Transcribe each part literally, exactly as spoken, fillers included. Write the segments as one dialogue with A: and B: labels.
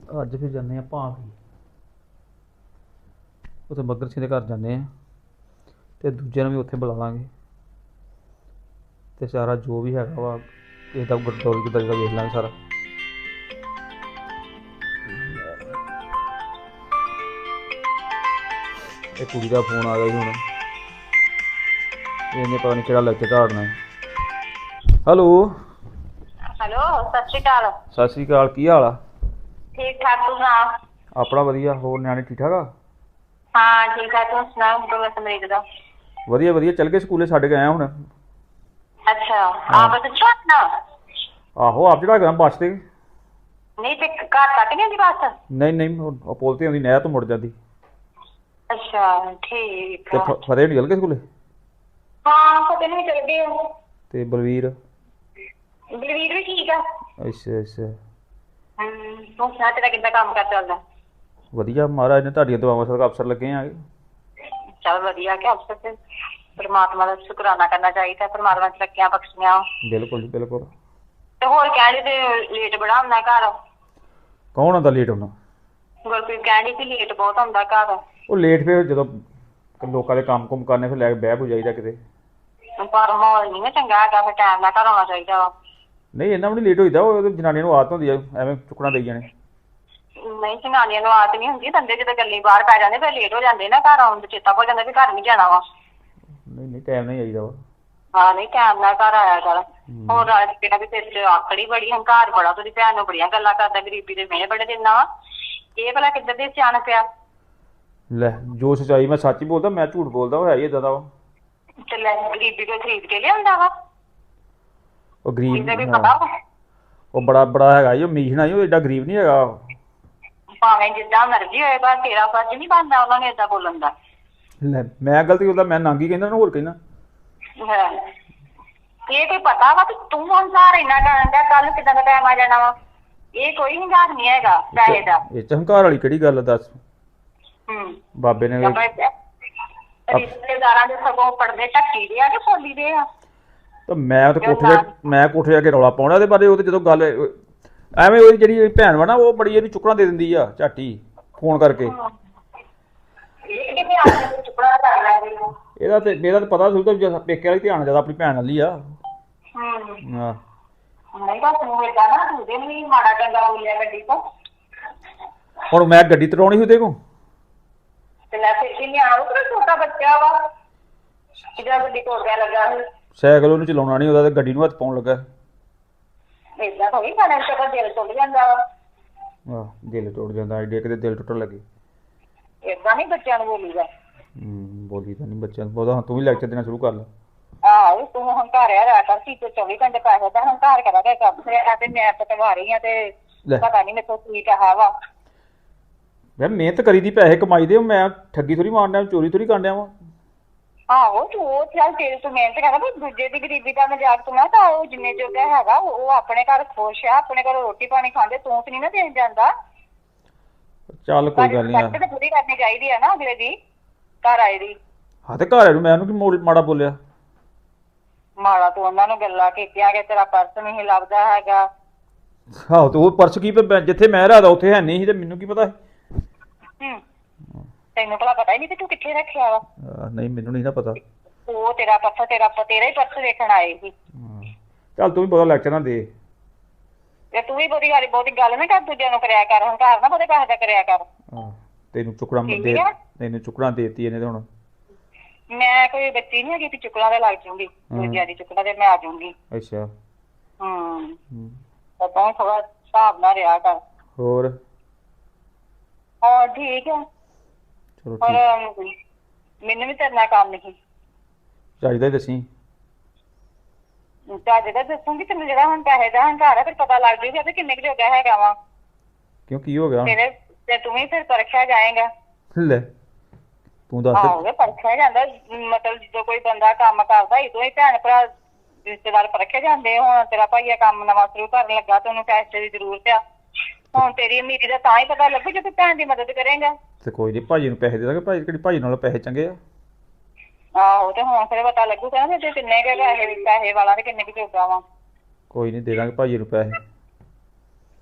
A: ਅੱਜ ਫਿਰ ਜਾਂਦੇ ਆ ਭਾਂਖੜੀ ਉੱਥੇ ਮੱਘਰ ਸਿੰਘ ਦੇ ਘਰ ਜਾਂਦੇ ਆ ਅਤੇ ਦੂਜਿਆਂ ਨੂੰ ਵੀ ਉੱਥੇ ਬੁਲਾ ਲਾਂਗੇ ਅਤੇ ਸਾਰਾ ਜੋ ਵੀ ਹੈਗਾ ਵਾ ਕਿਸੇ ਦਾ ਗੁਰਦੌਰੀ ਕਿੱਦਾਂ ਦਾ ਵੇਖ ਲਾਂਗੇ ਸਾਰਾ। ਇਹ ਕੁੜੀ ਦਾ ਫੋਨ ਆ ਗਿਆ ਜੀ ਹੁਣ, ਇਹਨੇ ਪਤਾ ਨਹੀਂ ਕਿਹੜਾ ਲੈਕਚਰ ਝਾੜਨਾ। ਹੈਲੋ
B: ਹੈਲੋ, ਸਤਿ ਸ਼੍ਰੀ ਅਕਾਲ।
A: ਸਤਿ ਸ਼੍ਰੀ ਅਕਾਲ, ਕੀ ਹਾਲ ਆ?
B: ਠੀਕ ਠਾਕ, ਤੂੰ ਸੁਣਾ?
A: ਆਪਣਾ ਵਧੀਆ। ਹੋਰ ਨਿਆਣੇ ਠੀਕ ਠਾਕ ਆ?
B: ਹਾਂ ਠੀਕ ਠਾਕ, ਤੂੰ ਸੁਣਾ? ਡੋਲਾ ਸਮਰੀਕ ਦਾ
A: ਵਧੀਆ ਵਧੀਆ, ਚੱਲ ਗਏ ਸਕੂਲੇ, ਛੱਡ ਕੇ ਆਇਆ ਹੁਣ।
B: ਅੱਛਾ, ਆਪ ਪੁੱਛੋ ਨਾ।
A: ਆਹੋ ਆਪ ਚੜਾ ਗਿਆ ਬੱਸ ਤੇ।
B: ਨਹੀਂ ਤੇ ਘਰ ਤੱਕ ਨਹੀਂ ਆਉਂਦੀ ਬੱਸ?
A: ਨਹੀਂ ਨਹੀਂ, ਉਹ ਪੁਲ ਤੇ ਆਉਂਦੀ, ਨਹਿਰ ਤੋਂ ਮੁੜ ਜਾਂਦੀ।
B: ਅੱਛਾ ਠੀਕ
A: ਤੇ
B: ਆ।
A: ਫ- ਫਤਿਹ ਨਿਕਲ ਗਏ ਸਕੂਲੇ?
B: ਹਾਂ ਫਤਿਹ ਨੂੰ ਵੀ ਚਲ ਗਏ।
A: ਤੇ ਬਲਵੀਰ?
B: ਬਲਵੀਰ ਵੀ ਠੀਕ ਆ।
A: ਅੱਛਾ ਅੱਛਾ,
B: ਹਮ ਤੂੰ ਸੁਣਾ, ਤੇਰਾ ਕਿੱਦਾਂ ਕੰਮ ਕਰ ਚੱਲਦਾ?
A: ਵਧੀਆ, ਮਹਾਰਾਜ ਨੇ ਤੁਹਾਡੀਆਂ ਦੁਆਵਾਂ ਸਦਕਾ ਅਫਸਰ ਲੱਗੇ ਆ।
B: ਚੱਲ ਵਧੀਆ ਕਿ ਅਫਸਰ ਤੇ ਪਰਮਾਤਮਾ ਦਾ ਸ਼ੁਕਰਾਨਾ ਕਰਨਾ ਚਾਹੀਦਾ, ਪਰਮਾਤਮਾ ਨੇ ਤਰੱਕੀਆਂ ਬਖਸ਼ੀਆਂ।
A: ਬਿਲਕੁਲ ਜੀ ਬਿਲਕੁਲ।
B: ਤੇ ਹੋਰ ਕਹਿੰਦੇ ਤੇ ਲੇਟ ਬੜਾ ਹੁੰਦਾ ਘਰ।
A: ਕੌਣ ਆਉਂਦਾ ਲੇਟ ਹੋਣਾ?
B: ਗੁਰਪ੍ਰੀਤ ਕਹਿੰਦੀ ਸੀ ਲੇਟ ਬਹੁਤ ਹੁੰਦਾ ਘਰ।
A: ਉਹ ਲੇਟ ਫਿਰ ਜਦੋਂ ਲੋਕਾਂ ਦੇ ਕੰਮ ਕੁਮ ਕਰਨੇ ਫਿਰ ਲੈ ਕੇ ਬਹਿ ਬੂ ਜਾਈਦਾ ਕਿਤੇ।
B: ਪਰ ਮਾਹੌਲ ਨਹੀਂ ਨਾ ਚੰਗਾ ਹੈਗਾ, ਫਿਰ ਟਾਈਮ ਨਾਲ ਘਰ ਆਉਣਾ ਚਾਹੀਦਾ ਵਾ।
A: ਨਹੀਂ ਇੰਨਾ ਵੀ ਨਹੀਂ ਲੇਟ ਹੋਈਦਾ, ਉਹ ਜਨਾਨੀਆਂ ਨੂੰ ਆਦਤ ਹੁੰਦੀ ਆ ਐਵੇਂ ਚੁੱਕਣਾ ਦੇਈ ਜਾਣੇ।
B: ਨਹੀਂ ਜਨਾਨੀਆਂ ਨੂੰ ਆਦਤ ਨਹੀਂ ਹੁੰਦੀ, ਬੰਦੇ ਜਦੋਂ ਗੱਲੀ ਬਾਹਰ ਪੈ ਜਾਂਦੇ ਫਿਰ ਲੇਟ ਹੋ ਜਾਂਦੇ ਨਾ, ਘਰ ਆਉਣ ਦਾ ਚੇਤਾ ਭੁੱਲ ਜਾਂਦਾ ਵੀ ਘਰ ਨਹੀਂ ਜਾਣਾ ਵਾ।
A: ਨਹੀਂ ਨਹੀਂ, ਟਾਈਮ ਨਹੀਂ ਆਈਦਾ ਵਾ।
B: ਹਾਂ ਨਹੀਂ, ਟਾਈਮ ਨਾਲ ਘਰ ਆਇਆ ਕਰ। ਹੋਰ ਰਾਜ ਕਿਹੜਾ ਵੀ ਤੇਰੇ ਚ ਆਕੜੀ ਬੜੀ, ਹੰਕਾਰ ਬੜਾ, ਤੁਹਾਡੀ ਭੈਣ ਨੂੰ ਬੜੀਆਂ ਗੱਲਾਂ ਕਰਦਾ, ਗਰੀਬੀ ਦੇ ਮਿਹਣੇ ਬੜੇ ਦਿੰਦਾ ਵਾ। ਇਹ ਭਲਾ ਕਿੱਧਰ ਦੇ ਸਿਆਣ ਪਿਆ?
A: ਲੈ ਜੋ ਸੱਚਾਈ ਮੈਂ ਸੱਚ ਹੀ ਬੋਲਦਾ, ਮੈਂ ਝੂਠ ਬੋਲਦਾ, ਉਹ ਹੈ ਹੀ ਏਦਾਂ ਦਾ ਵਾ।
B: ਤੇ ਲੈ ਗਰੀਬੀ ਕੋਈ ਖਰੀਦ ਕੇ ਲਿਆਉਂਦਾ ਵਾ?
A: ਉਹ ਗਰੀਬ
B: ਇਹਦਾ ਵੀ ਪਤਾ ਵਾ।
A: ਉਹ ਬੜਾ ਬੜਾ ਹੈਗਾ ਜੀ, ਉਹ ਮੀਸ਼ਣਾ ਹੀ, ਉਹ ਏਡਾ ਗਰੀਬ ਨਹੀਂ ਹੈਗਾ।
B: ਭਾਵੇਂ ਜਿੱਦਾਂ ਮਰਜ਼ੀ ਹੋਏ, ਪਰ ਤੇਰਾ ਫਰਜ਼ ਨਹੀਂ ਬਣਦਾ ਉਹਨਾਂ ਨੇ ਏਦਾਂ ਬੋਲਣ ਦਾ।
A: ਲੈ ਮੈਂ ਗਲਤੀ ਕਰਦਾ, ਮੈਂ ਨਾਂਗੀ ਕਹਿੰਦਾ ਨਾ, ਹੋਰ ਕਹਿਣਾ।
B: ਹਾਂ ਇਹ ਕੋਈ ਪਤਾ ਵਾ ਕਿ ਤੂੰ ਹੰਕਾਰ ਇੰਨਾ ਕਰਨ ਦਾ, ਕੱਲ ਕਿੱਦਾਂ ਦਾ ਟਾਈਮ ਆ ਜਾਣਾ ਵਾ? ਇਹ ਕੋਈ ਹੰਕਾਰ ਨਹੀਂ ਹੈਗਾ ਪੈਸੇ ਦਾ।
A: ਇਹ ਚ ਹੰਕਾਰ ਵਾਲੀ ਕਿਹੜੀ ਗੱਲ ਆ ਦੱਸ?
B: ਹਮ
A: ਬਾਬੇ ਨੇ
B: ਰਿਸ਼ਤੇਦਾਰਾਂ ਦੇ ਸਗੋਂ ਪੜਦੇ ਢੱਕੀ ਦੇ ਆ ਕਿ ਫੋਲੀ ਦੇ ਆ?
A: ਤਾਂ ਮੈਂ ਤਾਂ ਕੋਠੇ ਜਾ ਮੈਂ ਕੋਠੇ ਜਾ ਕੇ ਰੌਲਾ ਪਾਉਣਾ ਇਹਦੇ ਬਾਰੇ। ਉਹ ਤੇ ਜਦੋਂ ਗੱਲ ਐਵੇਂ, ਉਹਦੀ ਜਿਹੜੀ ਭੈਣ ਵਾ ਨਾ, ਉਹ ਬੜੀ ਇਹਨੂੰ ਚੁੱਕਣਾ ਦੇ ਦਿੰਦੀ ਆ ਝਾਟੀ ਫੋਨ ਕਰਕੇ।
B: ਇਹ ਕਿਵੇਂ ਆਪਣੇ ਚੁੱਕਣਾ ਕਰ ਲੈਂਦੇ ਹੋ?
A: ਇਹਦਾ ਤੇ ਮੇਰਾ ਤਾਂ ਪਤਾ ਸੁਣਦਾ ਵੀ ਪੇਕੇ ਵਾਲੀ ਧਿਆਨ ਜ਼ਿਆਦਾ ਆਪਣੀ ਭੈਣ ਨਾਲ ਹੀ ਆ।
B: ਹਮ
A: ਹਾਂ
B: ਨਹੀਂ ਬਸ ਤੂੰ ਏਦਾਂ ਨਾ, ਤੂੰ ਦੇ ਵੀ ਮਾੜਾ ਚੰਗਾ ਬੋਲਿਆ ਗੱਡੀ ਤੋਂ।
A: ਹੁਣ ਮੈਂ ਗੱਡੀ ਤਰਾਉਣੀ ਉਹਦੇ ਕੋਲ
B: ਤੇ ਲੈ ਫਿਰ ਕਿੰਨੇ ਆਉ, ਤੇਰਾ ਛੋਟਾ ਬੱਚਾ ਵਾ ਇਹਦਾ ਗੱਡੀ ਤੋੜ ਗਿਆ ਲੱਗਾ ਸੀ।
A: ਸਾਈਕਲ ਉਹਨੂੰ ਚਲਾਉਣਾ ਨਹੀਂ, ਉਹਦਾ ਤੇ ਗੱਡੀ ਨੂੰ ਹੱਥ ਪਾਉਣ ਲੱਗਾ।
B: ਏਦਾਂ ਥੋੜੀ ਖਾਣੇ ਚ ਤਾਂ ਦਿਲ ਟੁੱਟ ਜਾਂਦਾ ਵਾ।
A: ਆਹ ਦਿਲ ਟੁੱਟ ਜਾਂਦਾ, ਐਡੇ ਕਿਤੇ ਦਿਲ ਟੁੱਟਣ ਲੱਗੇ।
B: ਏਦਾਂ ਨਹੀਂ ਬੱਚਿਆਂ ਨੂੰ ਬੋਲੀਦਾ।
A: ਹੂੰ ਬੋਲੀ ਤਾਂ ਨਹੀਂ ਬੱਚਿਆਂ ਨੂੰ ਬੋਲਦਾ। ਤੂੰ ਵੀ ਲੈਕਚਰ ਦੇਣਾ ਸ਼ੁਰੂ ਕਰ ਲੈ।
B: ਆਹੋ ਤੂੰ ਹੰਕਾਰਿਆ ਰਿਹਾ ਕਰ, ਸੀ ਤੇ ਚੌਵੀ ਘੰਟੇ ਪੈਸੇ ਦਾ ਹੰਕਾਰ ਕਰਾ ਕੇ ਕੰਮ ਰਿਹਾ ਤੇ ਮੈਂ ਪਟਵਾ ਰਹੀ ਆ ਤੇ ਪਤਾ ਨਹੀਂ ਮੇਰੇ ਤੋਂ ਕੀ ਕਹਾ ਵਾ।
A: ਯਾਰ ਮਿਹਨਤ ਕਰੀ ਦੀ, ਪੈਸੇ ਕਮਾਈ ਦੇ, ਮੈਂ ਠੱਗੀ ਥੋੜੀ ਮਾਰਨ ਡਿਆ, ਚੋਰੀ ਥੋੜੀ ਕਰਨ ਡਿਆ ਵਾ।
B: ਆਹੋ ਤੂੰ ਉਹ ਚੱਲ ਤੇਰੇ ਤੋਂ ਮਿਹਨਤ ਕਰਦਾ, ਪਰ ਦੂਜੇ ਦੀ ਗਰੀਬੀ ਦਾ ਮਜ਼ਾਕ ਤੂੰ ਨਾ, ਤਾਂ ਉਹ ਜਿੰਨੇ ਜੋਗਾ ਹੈਗਾ ਉਹ ਆਪਣੇ ਘਰ ਖੁਸ਼ ਆ, ਆਪਣੇ ਘਰ ਰੋਟੀ ਪਾਣੀ ਖਾਂਦੇ, ਤੂੰ ਤੇ ਨਹੀਂ ਨਾ ਦੇਣ ਜਾਂਦਾ।
A: ਚੱਲ ਕੋਈ ਗੱਲ ਨਹੀਂ।
B: ਤੇ ਪੂਰੀ ਕਰਨੀ ਚਾਹੀਦੀ ਆ ਨਾ ਅਗਲੇ ਦੀ, ਘਰ ਆਏ ਦੀ।
A: ਹਾਂ ਤੇ ਘਰ ਨੂੰ ਮੈਂ ਉਹਨੂੰ ਕੀ ਮਾੜਾ ਬੋਲਿਆ?
B: ਮਾੜਾ ਤੂੰ ਉਹਨਾਂ ਨੂੰ ਗੱਲਾਂ ਕੀਤੀਆਂ ਕਿ ਤੇਰਾ ਪਰਸ ਨਹੀਂ ਲੱਭਦਾ ਹੈਗਾ।
A: ਆਹੋ ਤੇ ਉਹ ਪਰਸ ਕੀ ਪੇ ਜਿੱਥੇ ਮੈਂ ਰਹਦਾ ਉੱਥੇ ਹੈ ਨਹੀਂ ਸੀ, ਤੇ ਮੈਨੂੰ ਕੀ ਪਤਾ?
B: ਹੂੰ ਤੈਨੂੰ ਭਲਾ ਪਤਾ ਹੀ ਨਹੀਂ ਤੇ ਤੂੰ ਕਿੱਥੇ ਰੱਖਿਆ ਵਾ?
A: ਨਹੀਂ ਮੈਨੂੰ ਨਹੀਂ ਨਾ ਪਤਾ।
B: ਉਹ ਤੇਰਾ ਪਰਸ, ਤੇਰਾ ਤੇਰਾ ਹੀ ਪਰਸ ਵੇਖਣ ਆਏ ਸੀ।
A: ਚੱਲ ਤੂੰ ਵੀ ਬਹੁਤਾ ਲੈਕਚਰ ਨਾ ਦੇ।
B: ਤੇ ਤੂੰ ਵੀ ਬਹੁਤੀ ਵਾਲੀ ਬਹੁਤੀ ਗੱਲ ਨਾ ਕਰ, ਦੂਜਿਆਂ ਨੂੰ ਕਰਿਆ ਕਰ, ਹੰਕਾਰ ਨਾ ਬਹੁਤੇ ਪੈਸੇ ਦਾ ਕਰਿਆ ਕਰ।
A: ਆਹ ਤੈਨੂੰ ਚੁੱਕਣਾ ਦੇ, ਤੈਨੂੰ ਚੁੱਕਣਾ ਦੇਤੀ ਇਹਨੇ ਤੇ ਹੁਣ।
B: ਮੈਂ ਕੋਈ ਬੱਚੀ ਨਹੀਂ ਹੈਗੀ ਕਿ ਚੁੱਕਣਾ ਤੇ ਲੱਗ ਜੂਗੀ, ਦੂਜਿਆਂ ਦੀ ਚੁੱਕਣਾ ਤੇ ਮੈਂ ਆ ਜਾਊਂਗੀ।
A: ਅੱਛਾ
B: ਹੂੰ ਤਾਂ ਤੂੰ ਥੋੜਾ ਹਿਸਾਬ ਨਾਲ ਰਿਹਾ ਕਰ।
A: ਹੋਰ
B: ਹਾਂ ਠੀਕ ਹੈ।
A: ਚਲੋ
B: ਪਰ
A: ਠੀਕ,
B: ਮੈਨੂੰ ਵੀ ਤੇਰੇ ਨਾਲ ਕੰਮ ਨਹੀਂ
A: ਚਾਹੀਦਾ ਹੀ ਦੱਸੀ।
B: ਚੱਜ ਦਾ ਦੱਸੂਗੀ ਤੈਨੂੰ, ਜਿਹੜਾ ਹੁਣ ਪੈਸੇ ਦਾ ਹੰਕਾਰ ਹੈ ਫਿਰ ਪਤਾ ਲੱਗ ਜੂਗਾ ਤੇ ਕਿੰਨੇ ਕੁ ਜੋਗਾ ਹੈਗਾ ਵਾ।
A: ਕਿਉਂ ਕੀ ਹੋ ਗਿਆ?
B: ਤੇਰੇ ਤੇ ਤੂੰ ਵੀ ਫਿਰ ਪਰਖਿਆ ਜਾਏਗਾ।
A: ਲੈ ਤੂੰ ਦੱਸ।
B: ਆਹੋ ਪਰਖਿਆ ਜਾਂਦਾ, ਮਤਲਬ ਜਦੋਂ ਕੋਈ ਬੰਦਾ ਕੰਮ ਕਰਦਾ ਇਦੋਂ ਹੀ ਭੈਣ ਭਰਾ ਰਿਸ਼ਤੇਦਾਰ ਪਰਖੇ ਜਾਂਦੇ। ਹੁਣ ਤੇਰਾ ਭਾਈਆ ਕੰਮ ਨਵਾਂ ਸ਼ੁਰੂ ਕਰਨ ਲੱਗਾ ਤੇ ਉਹਨੂੰ ਪੈਸੇ ਦੀ ਜ਼ਰੂਰਤ ਆ, ਹੁਣ ਤੇਰੀ ਅਮੀਰੀ ਦਾ ਤਾਂ ਹੀ ਪਤਾ ਲੱਗੂ ਜੇ ਤੂੰ ਭੈਣ ਦੀ ਮਦਦ ਕਰੇਗਾ। ਤੇ
A: ਕੋਈ ਨੀ, ਭਾਜੀ ਨੂੰ ਪੈਸੇ ਦੇ ਦਾਂਗੇ। ਭਾਜੀ ਕਿਹੜੀ ਭਾਜੀ ਨਾਲੋਂ ਪੈਸੇ ਚੰਗੇ ਆ?
B: ਆਹੋ ਤੇ ਹੁਣ ਫਿਰ ਪਤਾ ਲੱਗੂਗਾ ਨਾ ਤੇ ਕਿੰਨੇ ਕੁ ਪੈਸੇ ਪੈਸੇ ਵਾਲਾ ਤੇ ਕਿੰਨੇ ਕੁ ਜੋਗਾ ਵਾ।
A: ਕੋਈ ਨੀ ਦੇ ਦਾਂਗੇ ਭਾਜੀ ਨੂੰ ਪੈਸੇ।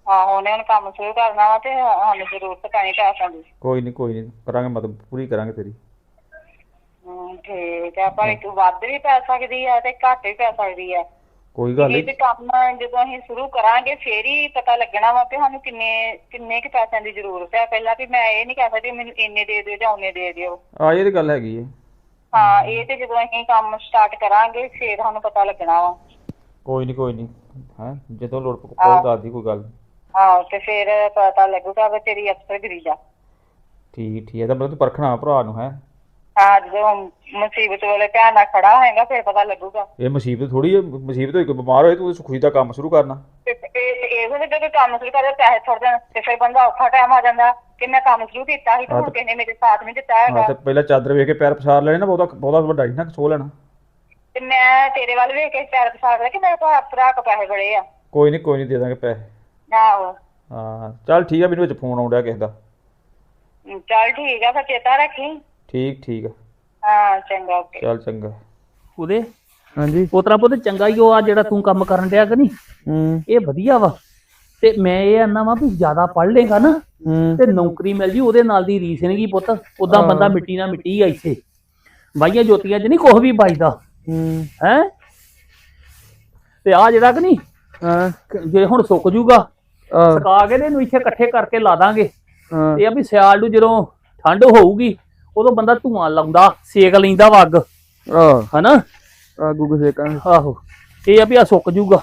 B: ਆਹੋ ਉਹਨੇ ਹੁਣ ਕੰਮ ਸ਼ੁਰੂ ਕਰਨਾ ਵਾ ਤੇ ਸਾਨੂੰ ਜ਼ਰੂਰਤ ਪੈਣੀ ਪੈਸਿਆਂ ਦੀ।
A: ਕੋਈ ਨਹੀਂ ਕੋਈ ਨਹੀਂ ਕਰਾਂਗੇ, ਮਦਦ ਪੂਰੀ ਕਰਾਂਗੇ ਤੇਰੀ।
B: ਹਮ ਠੀਕ ਆ, ਪਰ ਇੱਕ ਵੱਧ ਵੀ ਪੈ ਸਕਦੀ ਆ ਤੇ ਘੱਟ ਵੀ ਪੈ ਸਕਦੀ ਆ।
A: ਕੋਈ ਗੱਲ
B: ਇਹ ਤੇ
A: ਨਹੀਂ।
B: ਕੰਮ ਜਦੋਂ ਅਸੀਂ ਸ਼ੁਰੂ ਕਰਾਂਗੇ ਫੇਰ ਹੀ ਪਤਾ ਲੱਗਣਾ ਵਾ ਕਿ ਸਾਨੂੰ ਕਿੰਨੇ ਕਿੰਨੇ ਕੁ ਪੈਸਿਆਂ ਦੀ ਜ਼ਰੂਰਤ ਹੈ। ਪਹਿਲਾਂ ਵੀ ਮੈਂ ਇਹ ਨਹੀਂ ਕਹਿ ਸਕਦੀ ਮੈਨੂੰ ਇੰਨੇ ਦੇ ਦਿਓ ਜਾਂ ਉਹਨੇ ਦੇ ਦਿਓ।
A: ਆ ਇਹ ਤੇ ਗੱਲ ਹੈਗੀ ਹੈ।
B: ਹਾਂ ਇਹ ਤੇ ਜਦੋਂ ਅਸੀਂ ਕੰਮ ਸਟਾਰਟ ਕਰਾਂਗੇ ਫੇਰ ਸਾਨੂੰ ਪਤਾ ਲੱਗਣਾ ਵਾ।
A: ਕੋਈ ਨਹੀਂ ਕੋਈ ਨਹੀਂ ਹੈ, ਜਦੋਂ ਲੋੜ ਪਊ ਦੱਸਦੀ, ਕੋਈ ਗੱਲ ਨਹੀਂ।
B: ਹਾਂ ਤੇ ਫੇਰ ਪਤਾ ਲੱਗੂਗਾ ਵੀ ਤੇਰੀ ਅਫਸਰਗਿਰੀ ਦਾ।
A: ਠੀਕ ਠੀਕ ਹੈ, ਤਾਂ ਮਤਲਬ ਤੂੰ ਪਰਖਣਾ ਭਰਾ ਨੂੰ ਹੈ।
B: ਹਾਂ ਜਦੋਂ ਮੁਸੀਬਤ ਵੇਲੇ ਭੈਣ ਨਾਲ ਖੜਾ ਹੋਏਗਾ ਫੇਰ ਪਤਾ ਲੱਗੂਗਾ।
A: ਇਹ ਮੁਸੀਬਤ ਥੋੜੀ ਹੈ, ਮੁਸੀਬਤ ਹੋਈ ਕੋਈ ਬਿਮਾਰ ਹੋਏ ਤੂੰ ਖੁਸ਼ੀ ਦਾ ਕੰਮ ਸ਼ੁਰੂ ਕਰਨਾ।
B: ਤੇ ਇਹ ਵੀ ਜਦੋਂ ਕੰਮ ਸ਼ੁਰੂ ਕਰਦਾ ਪੈਸੇ ਥੋੜੇ ਦਿਨ ਤੇ ਫਿਰ ਬੰਦਾ ਔਖਾ ਟਾਈਮ ਆ ਜਾਂਦਾ ਕਿ ਮੈਂ ਕੰਮ ਸ਼ੁਰੂ ਕੀਤਾ ਸੀ ਤੇ ਹੁਣ ਕਿਸੇ ਨੇ ਮੇਰੇ ਸਾਥ ਨਹੀਂ ਦਿੱਤਾ ਹੈਗਾ।
A: ਹਾਂ ਤੇ ਪਹਿਲਾਂ ਚਾਦਰ ਵੇਖ ਕੇ ਪੈਰ ਪਸਾਰ ਲੈਣੇ ਨਾ, ਬਹੁਤਾ ਬਹੁਤਾ ਵੱਡਾ ਨਹੀਂ ਨਾ ਸੋ ਲੈਣਾ।
B: ਤੇ ਮੈਂ ਤੇਰੇ ਵੱਲ ਵੇਖ ਕੇ ਪੈਰ ਪਸਾਰ ਲਿਆ ਕਿ ਮੇਰੇ ਕੋਲ ਭਰਾ ਕੋ ਪੈਸੇ ਬੜੇ ਆ।
A: ਕੋਈ ਨਹੀਂ ਕੋਈ ਨਹੀਂ ਦੇ ਦਾਂਗੇ ਪੈਸੇ।
B: ਆਹੋ
A: ਹਾਂ ਚੱਲ ਠੀਕ ਆ, ਮੈਨੂੰ ਵਿੱਚ ਫੋਨ ਆਉਣ ਡਿਆ ਕਿਸੇ ਦਾ।
B: ਚੱਲ ਠੀਕ ਆ ਫਿਰ ਚੇਤਾ ਰੱਖੀ।
A: ਠੀਕ ਠੀਕ ਆ,
B: ਹਾਂ ਚੰਗਾ ਓਕੇ।
A: ਚੱਲ ਚੰਗਾ।
C: ਉਹਦੇ
D: ਹਾਂਜੀ
C: ਪੋਤਰਾ ਪੁੱਤ ਚੰਗਾ ਹੀ ਉਹ ਆ ਜਿਹੜਾ ਤੂੰ ਕੰਮ ਕਰਨ ਡਿਆ ਕਿ ਨਹੀਂ,
D: ਹੂੰ
C: ਇਹ ਵਧੀਆ ਵਾ। ਤੇ ਮੈਂ ਇਹ ਆਨਾ ਵਾ ਵੀ ਜ਼ਿਆਦਾ ਪੜ੍ਹ ਲੇਗਾ ਨਾ
D: ਹੂੰ
C: ਤੇ ਨੌਕਰੀ ਮਿਲ ਜੀ, ਉਹਦੇ ਨਾਲ ਦੀ ਰੀਸ ਨਹੀਂਗੀ ਪੁੱਤ। ਉਦਾਂ ਬੰਦਾ ਮਿੱਟੀ ਨਾਲ ਮਿੱਟੀ ਆ ਇੱਥੇ, ਬਾਈਆਂ ਜੋਤੀਆਂ 'ਚ ਨਹੀਂ ਕੁਛ ਵੀ ਬਚਦਾ
D: ਹੂੰ
C: ਹੈ। ਤੇ ਆ ਜਿਹੜਾ ਕਿ ਨਹੀਂ
D: ਹਾਂ
C: ਜੇ ਹੁਣ ਸੁੱਕ ਜੂਗਾ,
D: ਆਹ,
C: ਸੁਕਾ ਕੇ ਤੇ ਇਹਨੂੰ ਇੱਥੇ ਇਕੱਠੇ ਕਰਕੇ ਲਾ ਦਾਂਗੇ।
D: ਹਾਂ
C: ਇਹ ਆ ਵੀ ਸਿਆਲ ਨੂੰ ਜਦੋਂ ਠੰਡ ਹੋਊਗੀ ਉਦੋਂ ਬੰਦਾ ਧੂਆਂ ਲਾਉਂਦਾ, ਸੇਕ ਲੈਂਦਾ ਵਾ ਅੱਗ,
D: ਆਹ
C: ਹਨਾ।
D: ਆ ਗੁੱਗ ਸੇਕਾਂਗੇ।
C: ਆਹੋ ਇਹ ਆ ਵੀ ਆ ਸੁੱਕ ਜੂਗਾ।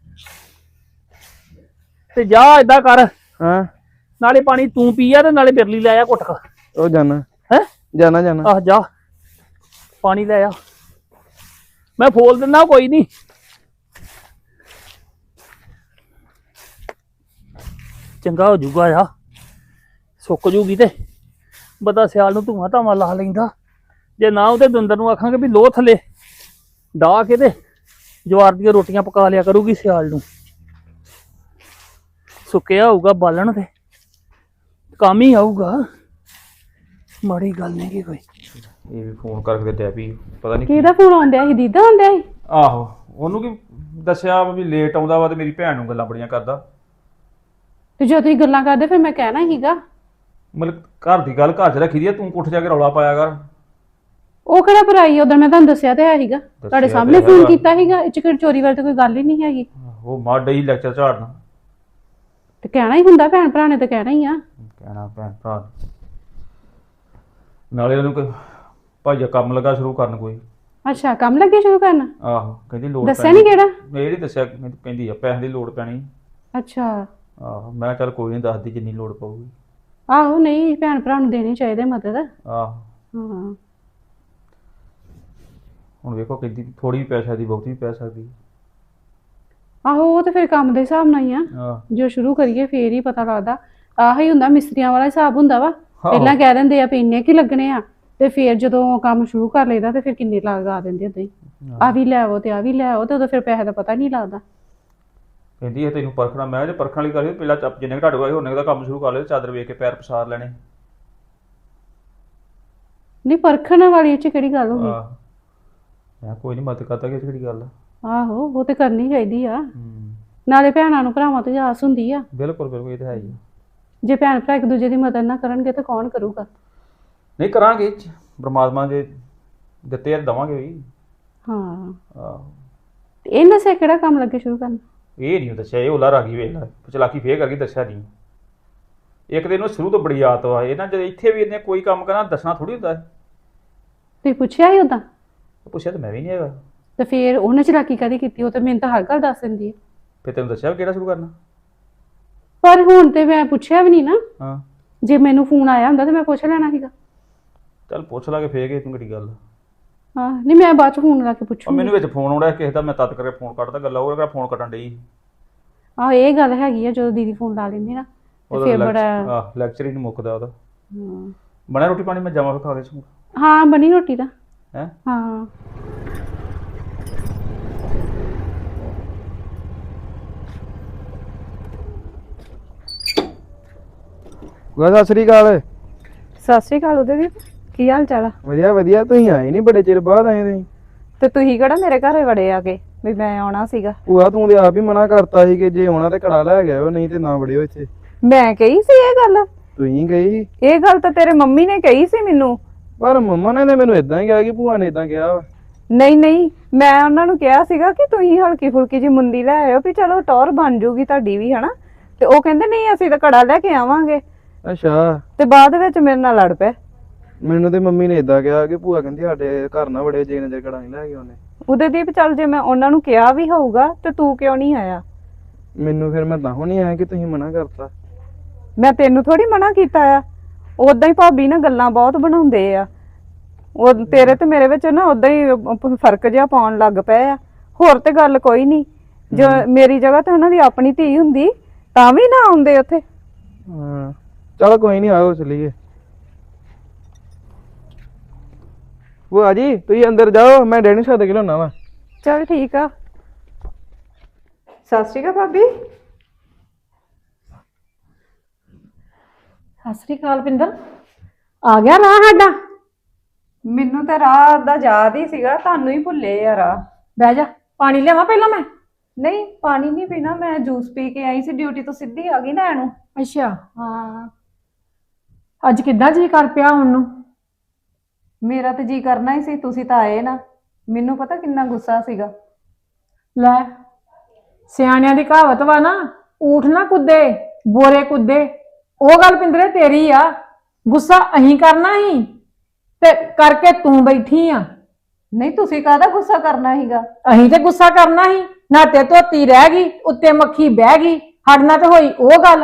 C: ਤੇ ਜਾ ਏਦਾਂ ਕਰ,
D: ਹਾਂ
C: ਨਾਲੇ ਪਾਣੀ ਤੂੰ ਪੀ ਆ ਤੇ ਨਾਲੇ ਬਿਰਲੀ ਲੈ ਆ ਘੁੱਟ ਕ।
D: ਉਹ ਜਾਣਾ
C: ਹੈ
D: ਜਾਣਾ ਜਾਣਾ
C: ਆਹ ਜਾ ਪਾਣੀ ਲੈ ਆ, ਮੈਂ ਫੋਲ ਦਿੰਦਾ ਕੋਈ ਨਹੀਂ। ਚੰਗਾ ਹੋ ਜੂਗਾ ਆ, ਸੁੱਕ ਜੂਗੀ ਤੇ ਬੰਦਾ ਸਿਆਲ ਨੂੰ ਧੂਆਂ ਧਾਵਾਂ ਲਾ ਲੈਂਦਾ। ਜੇ ਨਾ ਉਹਦੇ ਦੰਦਰ ਨੂੰ ਆਖਾਂਗੇ ਵੀ ਲੋਹ ਥੱਲੇ ਡਾਹ ਕੇ ਤੇ ਜਵਾਰ ਦੀਆਂ ਰੋਟੀਆਂ ਪਕਾ ਲਿਆ ਕਰੂਗੀ ਸਿਆਲ ਨੂੰ। ਸੁੱਕਿਆ ਹੋਊਗਾ ਬਾਲਣ ਤੇ ਕੰਮ ਹੀ ਆਊਗਾ, ਮਾੜੀ ਗੱਲ ਨਹੀਂ ਕੀ ਕੋਈ।
A: ਇਹ ਵੀ ਫੋਨ ਕਰਕੇ ਡੈ ਪਈ, ਪਤਾ ਨਹੀਂ
E: ਕਿਹਦਾ ਫੋਨ ਆਉਂਦਿਆ ਸੀ? ਦੀਦਾ ਆਉਂਦਿਆ ਸੀ?
A: ਆਹੋ ਉਹਨੂੰ ਕੀ ਦੱਸਿਆ ਵੀ ਲੇਟ ਆਉਂਦਾ ਵਾ ਤੇ ਮੇਰੀ ਭੈਣ ਨੂੰ ਗੱਲਾਂ ਬੜੀਆਂ ਕਰਦਾ।
E: ਤੇ ਜਦੋਂ ਤੁਸੀਂ ਗੱਲਾਂ ਕਰਦੇ ਫਿਰ ਮੈਂ ਕਹਿਣਾ ਸੀਗਾ।
A: ਮਤਲਬ ਘਰ ਦੀ ਗੱਲ ਘਰ 'ਚ ਰੱਖੀ ਦੀ ਆ, ਤੂੰ ਕੋਠੇ ਜਾ ਕੇ ਰੌਲਾ ਪਾਇਆ ਕਰ।
E: ਉਹ ਕਿਹੜਾ ਭਰਾਈ? ਉਦੋਂ ਮੈਂ ਤੁਹਾਨੂੰ ਦੱਸਿਆ ਤੇ ਹੈ ਸੀਗਾ, ਤੁਹਾਡੇ
A: ਤੇ
E: ਸਾਹਮਣੇ
A: ਹੈਗਾ।
E: ਫੋਨ ਕੀਤਾ ਸੀਗਾ। ਇਹ ਚ ਕਿਹੜੀ ਚੋਰੀ ਵਾਲੀ ਤਾਂ ਕੋਈ ਗੱਲ ਹੀ ਨਹੀਂ ਹੈਗੀ।
A: ਉਹ ਮਾਰ ਡਈ ਲੈਕਚਰ ਝਾੜਨਾ।
E: ਤੇ ਕਹਿਣਾ ਹੀ ਹੁੰਦਾ, ਭੈਣ ਭਰਾ ਨੇ ਤਾਂ ਕਹਿਣਾ ਹੀ ਆ।
A: ਕਹਿਣਾ ਭੈਣ ਭਰਾ ਨੂੰ। ਨਾਲੇ ਉਹਨੂੰ ਕੋਈ ਭਾਈਆ ਕੰਮ ਲੱਗਾ ਸ਼ੁਰੂ ਕਰਨ ਕੋਈ।
E: ਅੱਛਾ ਕੰਮ ਲੱਗੇ ਸ਼ੁਰੂ ਕਰਨ?
A: ਆਹੋ ਕਹਿੰਦੀ ਲੋੜ
E: ਦੱਸਿਆ ਨੀ ਕਿਹੜਾ?
A: ਇਹ ਨੀ ਦੱਸਿਆ, ਕਹਿੰਦੀ ਕਹਿੰਦੀ ਆ ਪੈਸੇ ਦੀ ਲੋੜ ਪੈਣੀ।
E: ਅੱਛਾ
A: ਆਹੋ ਮੈਂ ਚੱਲ ਕੋਈ ਨਹੀਂ, ਦੱਸਦੀ ਜਿੰਨੀ ਲੋੜ ਪਊਗੀ।
E: ਆਹੋ ਨਹੀਂ ਭੈਣ ਭਰਾ ਨੂੰ ਦੇਣੀ ਚਾਹੀਦੀ ਮਦਦ।
A: ਆਹੋ
E: ਹਾਂ
A: ਹੁਣ ਵੇਖੋ ਕਹਿੰਦੀ ਥੋੜੀ ਪੈਸਾ ਦੀ ਬਹੁਤੀ ਪੈ ਸਕਦੀ।
E: ਆਹੋ ਉਹ ਤੇ ਫਿਰ ਕੰਮ ਦੇ ਹਿਸਾਬ ਨਾਲ ਹੀ ਆ,
A: ਆਹ
E: ਜੋ ਸ਼ੁਰੂ ਕਰੀਏ ਫੇਰ ਹੀ ਪਤਾ ਲੱਗਦਾ। ਆਹ ਹੀ ਹੁੰਦਾ ਮਿਸਤਰੀਆਂ ਵਾਲਾ ਹਿਸਾਬ ਹੁੰਦਾ ਵਾ। ਪਹਿਲਾਂ ਕਹਿ ਦਿੰਦੇ ਆ ਵੀ ਇੰਨੇ ਕੀ ਲੱਗਣੇ ਆ, ਤੇ ਫਿਰ ਜਦੋਂ ਕੰਮ ਸ਼ੁਰੂ ਕਰ ਲਈਦਾ ਤੇ ਫਿਰ ਕਿੰਨੇ ਲਗਾ ਦਿੰਦੇ ਏਦਾਂ ਹੀ। ਆ ਵੀ ਲੈ ਆਓ ਤੇ ਆ ਵੀ ਲੈ ਆਓ, ਤੇ ਉਦੋਂ ਫਿਰ ਪੈਸੇ ਦਾ ਪਤਾ ਨਹੀਂ ਲੱਗਦਾ।
A: ਕਹਿੰਦੀ ਇਹ ਤੈਨੂੰ ਪਰਖਣਾ। ਮੈਂ ਜੇ ਪਰਖਣ ਵਾਲੀ ਕਰੀ ਪਹਿਲਾਂ ਚੱਪ ਜਿੰਨੇ ਤੁਹਾਡੇ ਕੋਲ ਉਹਨੇ ਦਾ ਕੰਮ ਸ਼ੁਰੂ ਕਰ ਲਿਆ, ਚਾਦਰ ਵੇਖ ਕੇ ਪੈਰ ਪਸਾਰ ਲੈਣੇ।
E: ਨਹੀਂ ਪਰਖਣ ਵਾਲੀ ਚ ਕਿਹੜੀ ਗੱਲ ਹੋ ਗਈ?
A: ਆਹ ਮੈਂ ਕੋਈ ਨਹੀਂ ਮਦਦ ਕਰਦਾ, ਕਿ ਕਿਹੜੀ ਗੱਲ ਆ।
E: ਆਹੋ ਉਹ ਤੇ ਕਰਨੀ ਚਾਹੀਦੀ ਆ।
A: ਹੂੰ
E: ਨਾਲੇ ਭੈਣਾਂ ਨੂੰ ਭਰਾਵਾਂ ਤੋਂ ਆਸ ਹੁੰਦੀ ਆ।
A: ਬਿਲਕੁਲ ਬਿਲਕੁਲ, ਇਹ ਤਾਂ ਹੈ ਹੀ ਆ।
E: ਜੇ ਭੈਣ ਭਰਾ ਇੱਕ ਦੂਜੇ ਦੀ ਮਦਦ ਨਾ ਕਰਨਗੇ ਤਾਂ ਕੌਣ ਕਰੂਗਾ?
A: ਨਹੀਂ ਕਰਾਂਗੇ, ਪਰਮਾਤਮਾ ਦੇ ਦਿੱਤੇ ਆ ਦਵਾਂਗੇ ਵੀ।
E: ਹਾਂ
A: ਆਹੋ
E: ਤੇ ਇਹ ਦੱਸਿਆ ਕਿਹੜਾ ਕੰਮ ਲੱਗੇ ਸ਼ੁਰੂ ਕਰਨ?
A: ਇਹ ਨਹੀਂ ਦੱਸਿਆ, ਇਹ ਉਲਾ ਰਾਗੀ ਵੇਖ ਲੈ, ਚਲਾਕੀ ਫੇਰ ਕਰਕੇ ਦੱਸਿਆ ਨਹੀਂ। ਇੱਕ ਦਿਨ ਉਹ ਸ਼ੁਰੂ ਤੋਂ ਬੜੀ ਆਦਤ ਵਾ ਇਹ ਨਾ, ਜਦ ਇੱਥੇ ਵੀ ਇਹਨੇ ਕੋਈ ਕੰਮ ਕਰਨਾ ਦੱਸਣਾ ਥੋੜੀ ਹੁੰਦਾ।
E: ਤੁਸੀਂ ਪੁੱਛਿਆ ਹੀ ਉਦਾਂ?
A: ਪੁੱਛਿਆ ਤਾਂ ਮੈਂ ਵੀ ਨਹੀਂ ਹੈਗਾ।
E: ਤੇ ਫਿਰ ਉਹਨੇ ਚਲਾਕੀ ਕਦੀ ਕੀਤੀ? ਉਹ ਤਾਂ ਮੈਨੂੰ ਤਾਂ ਹਰ ਗੱਲ ਦੱਸ ਦਿੰਦੀ ਹੈ।
A: ਫਿਰ ਤੈਨੂੰ ਦੱਸਿਆ ਵੀ ਕਿਹੜਾ ਸ਼ੁਰੂ ਕਰਨਾ।
E: ਪਰ ਹੁਣ ਤੇ ਮੈਂ ਪੁੱਛਿਆ ਵੀ ਨਹੀਂ ਨਾ।
A: ਹਾਂ
E: ਜੇ ਮੈਨੂੰ ਫੋਨ ਆਇਆ ਹੁੰਦਾ ਤਾਂ ਮੈਂ ਪੁੱਛ ਲੈਣਾ ਸੀਗਾ।
A: ਚੱਲ ਪੁੱਛ ਲਾਂਗੇ ਫੇਰ, ਕਿ ਤੂੰ ਕਿਹੜੀ ਗੱਲ।
E: ਹਾਂ ਨਹੀਂ ਮੈਂ ਬਾਅਦ ਚ ਫੋਨ ਲਾ ਕੇ
A: ਉਹ
E: ਪੁੱਛੂੰਗੀ।
A: ਮੈਨੂੰ ਵਿੱਚ ਫੋਨ ਆਉਣਾ ਕਿਸੇ ਦਾ, ਮੈਂ ਤਦ ਕਰਕੇ ਫੋਨ ਕੱਟਦਾ। ਗੱਲਾਂ ਉਹ ਫੋਨ ਕੱਟਣ ਡਈ।
E: ਆਹੋ ਇਹ ਗੱਲ ਹੈਗੀ ਆ, ਜਦੋਂ ਦੀਦੀ ਫੋਨ ਲਾ ਲੈਂਦੀ ਨਾ ਤੇ ਫਿਰ ਬੜਾ।
A: ਆਹ ਲੈਕਚਰ ਹੀ ਨਹੀਂ ਮੁੱਕਦਾ ਉਹਦਾ।
E: ਹਾਂ
A: ਬਣਿਆ ਰੋਟੀ ਪਾਣੀ? ਮੈਂ ਜਾਵਾਂ ਫਿਰ ਖਾ ਕੇ ਸੂ।
E: ਹਾਂ ਬਣੀ ਰੋਟੀ ਤਾਂ।
A: ਹੈ
E: ਹਾਂ
D: ਗੁਆ ਸਤਿ ਸ੍ਰੀ ਅਕਾਲ।
F: ਸਤਿ ਸ਼੍ਰੀ ਅਕਾਲ ਉਹਦੇ ਦੀ, ਕੀ ਹਾਲ ਚਾਲ ਆ?
D: ਵਧੀਆ ਵਧੀਆ, ਤੁਸੀਂ ਆਏ ਨਹੀਂ, ਬੜੇ ਚਿਰ ਬਾਅਦ ਆਏ ਤੁਸੀਂ।
F: ਤੇ ਤੁਸੀਂ ਕਿਹੜਾ ਮੇਰੇ ਘਰੇ ਵੜੇ ਆ ਕੇ? ਵੀ ਮੈਂ ਆਉਣਾ ਸੀਗਾ।
D: ਭੂਆ ਤੂੰ ਤੇ ਆਪ ਹੀ ਮਨਾ ਕਰਤਾ ਸੀ ਕਿ ਜੇ ਆਉਣਾ ਤੇ ਕੜਾ ਲੈ ਗਿਆ ਨਹੀਂ ਤੇ ਨਾ ਵੜਿਓ ਇੱਥੇ।
F: ਮੈਂ ਕਹੀ ਸੀ ਇਹ ਗੱਲ?
D: ਤੂੰ ਹੀ ਗਈ।
F: ਇਹ ਗੱਲ ਤਾਂ ਤੇਰੇ ਮੰਮੀ ਨੇ ਕਹੀ ਸੀ ਮੈਨੂੰ।
D: ਪਰ ਮੰਮਾ ਨੇ ਮੈਨੂੰ ਇਦਾਂ ਹੀ ਕਿਹਾ ਕਿ ਭੂਆ ਨੇ ਇਦਾਂ ਕਿਹਾ ਵਾ।
F: ਨਹੀਂ ਨਹੀਂ, ਮੈਂ ਉਹਨਾਂ ਨੂੰ ਕਿਹਾ ਸੀਗਾ ਕਿ ਤੁਸੀਂ ਹਲਕੀ ਫੁਲਕੀ ਜੀ ਮੁੰਦੀ ਲੈ ਆਇਓ ਵੀ ਚਲੋ ਟੌਰ ਬਣ ਜੂਗੀ ਤੁਹਾਡੀ ਵੀ, ਹਨਾ। ਤੇ ਉਹ ਕਹਿੰਦੇ ਨਹੀਂ ਅਸੀਂ ਤਾਂ ਕੜਾ ਲੈ ਕੇ ਆਵਾਂਗੇ।
D: ਅੱਛਾ।
F: ਤੇ ਬਾਅਦ ਵਿੱਚ ਮੇਰੇ ਨਾਲ ਲੜ ਪਏ।
D: ਮੈਨੂੰ ਤੇ ਮੰਮੀ ਨੇ ਇਦਾਂ ਕਿਹਾ ਕਿ ਭੂਆ ਕਹਿੰਦੀ ਸਾਡੇ ਘਰ ਨਾ ਵੜੇ ਜੇ ਨਜ਼ਰ ਕੜਾ ਨਹੀਂ ਲੈ ਕੇ ਆਉਣੇ।
F: ਉਹਦੇ ਦੀਪ ਚੱਲ ਜੇ ਮੈਂ ਉਹਨਾਂ ਨੂੰ ਕਿਹਾ ਵੀ ਹੋਊਗਾ ਤੇ ਤੂੰ ਕਿਉਂ ਨਹੀਂ ਆਇਆ?
D: ਮੈਨੂੰ ਫਿਰ ਮੈਂ ਤਾਂ ਨਹੀਂ ਆਇਆ ਕਿ ਤੁਸੀਂ ਮਨਾ ਕਰਤਾ।
F: ਮੈਂ ਤੈਨੂੰ ਥੋੜੀ ਮਨਾ ਕੀਤਾ ਆ। ਉਦਾਂ ਹੀ ਭਾਬੀ ਨਾ ਗੱਲਾਂ ਬਹੁਤ ਬਣਾਉਂਦੇ ਆ। ਉਹ ਤੇਰੇ ਤੇ ਮੇਰੇ ਵਿੱਚ ਨਾ ਉਦਾਂ ਹੀ ਫਰਕ ਜਿਹਾ ਪਾਉਣ ਲੱਗ ਪਏ ਆ। ਹੋਰ ਤੇ ਗੱਲ ਕੋਈ ਨਹੀਂ। ਜੋ ਮੇਰੀ ਜਗ੍ਹਾ ਤੇ ਉਹਨਾਂ ਦੀ ਆਪਣੀ ਧੀ ਹੁੰਦੀ ਤਾਂ ਵੀ ਨਾ ਆਉਂਦੇ ਉੱਥੇ।
D: ਹਾਂ ਚਲ ਕੋਈ ਨਹੀਂ, ਆਓ ਚਲੀਏ। ਭੂਆ ਜੀ ਤੁਸੀਂ ਅੰਦਰ ਜਾਓ, ਮੈਂ ਡੈਡੀ ਸਾਹਿਬ ਦੇ ਲਿਆਉਣਾ ਵਾ।
F: ਚਲ ਠੀਕ ਆ। ਸਤਿ ਸ਼੍ਰੀ ਅਕਾਲ ਭਾਬੀ।
E: ਸਤਿ ਸ੍ਰੀ ਅਕਾਲ ਪਿੰਦਰ, ਆ ਗਿਆ ਰਾਹ ਸਾਡਾ?
F: ਮੈਨੂੰ ਤਾਂ ਰਾਹ ਦਾ ਯਾਦ ਹੀ ਸੀਗਾ, ਤੁਹਾਨੂੰ ਹੀ ਭੁੱਲੇ ਆ ਰਾਹ।
E: ਬਹਿ ਜਾ, ਪਾਣੀ ਲਿਆਵਾਂ ਪਹਿਲਾਂ ਮੈਂ?
F: ਨਹੀਂ ਪਾਣੀ ਨਹੀਂ ਪੀਣਾ, ਮੈਂ ਜੂਸ ਪੀ ਕੇ ਆਈ ਸੀ ਡਿਊਟੀ ਤੋਂ, ਸਿੱਧੀ ਆ ਗਈ ਲੈਣ ਨੂੰ।
E: ਅੱਛਾ। ਹਾਂ ਅੱਜ ਕਿੱਦਾਂ ਜੀ ਕਰ ਪਿਆ ਹੁਣ ਨੂੰ?
F: ਮੇਰਾ ਤੇ ਜੀ ਕਰਨਾ ਹੀ ਸੀ, ਤੁਸੀਂ ਤਾਂ ਆਏ ਨਾ। ਮੈਨੂੰ ਪਤਾ ਕਿੰਨਾ ਗੁੱਸਾ ਸੀਗਾ।
E: ਲੈ ਸਿਆਣਿਆਂ ਦੀ ਕਹਾਵਤ ਵਾ ਨਾ, ਊਠ ਨਾ ਕੁੱਦੇ ਬੋਰੇ ਕੁੱਦੇ। ਉਹ ਗੱਲ ਪਿੰਦਰੇ ਤੇਰੀ ਆ। ਗੁੱਸਾ ਅਹੀਂ ਕਰਨਾ ਹੀ ਤੇ ਕਰਕੇ ਤੂੰ ਬੈਠੀ ਆ।
F: ਨਹੀਂ ਤੁਸੀਂ ਕਾਹਦਾ ਗੁੱਸਾ ਕਰਨਾ ਸੀਗਾ?
E: ਅਹੀਂ ਤੇ ਗੁੱਸਾ ਕਰਨਾ ਹੀ, ਨਾ ਤੇ ਧੋਤੀ ਰਹਿ ਗਈ ਉੱਤੇ ਮੱਖੀ ਬਹਿ ਗਈ, ਸਾਡੇ ਨਾਲ ਤੇ ਹੋਈ ਉਹ ਗੱਲ।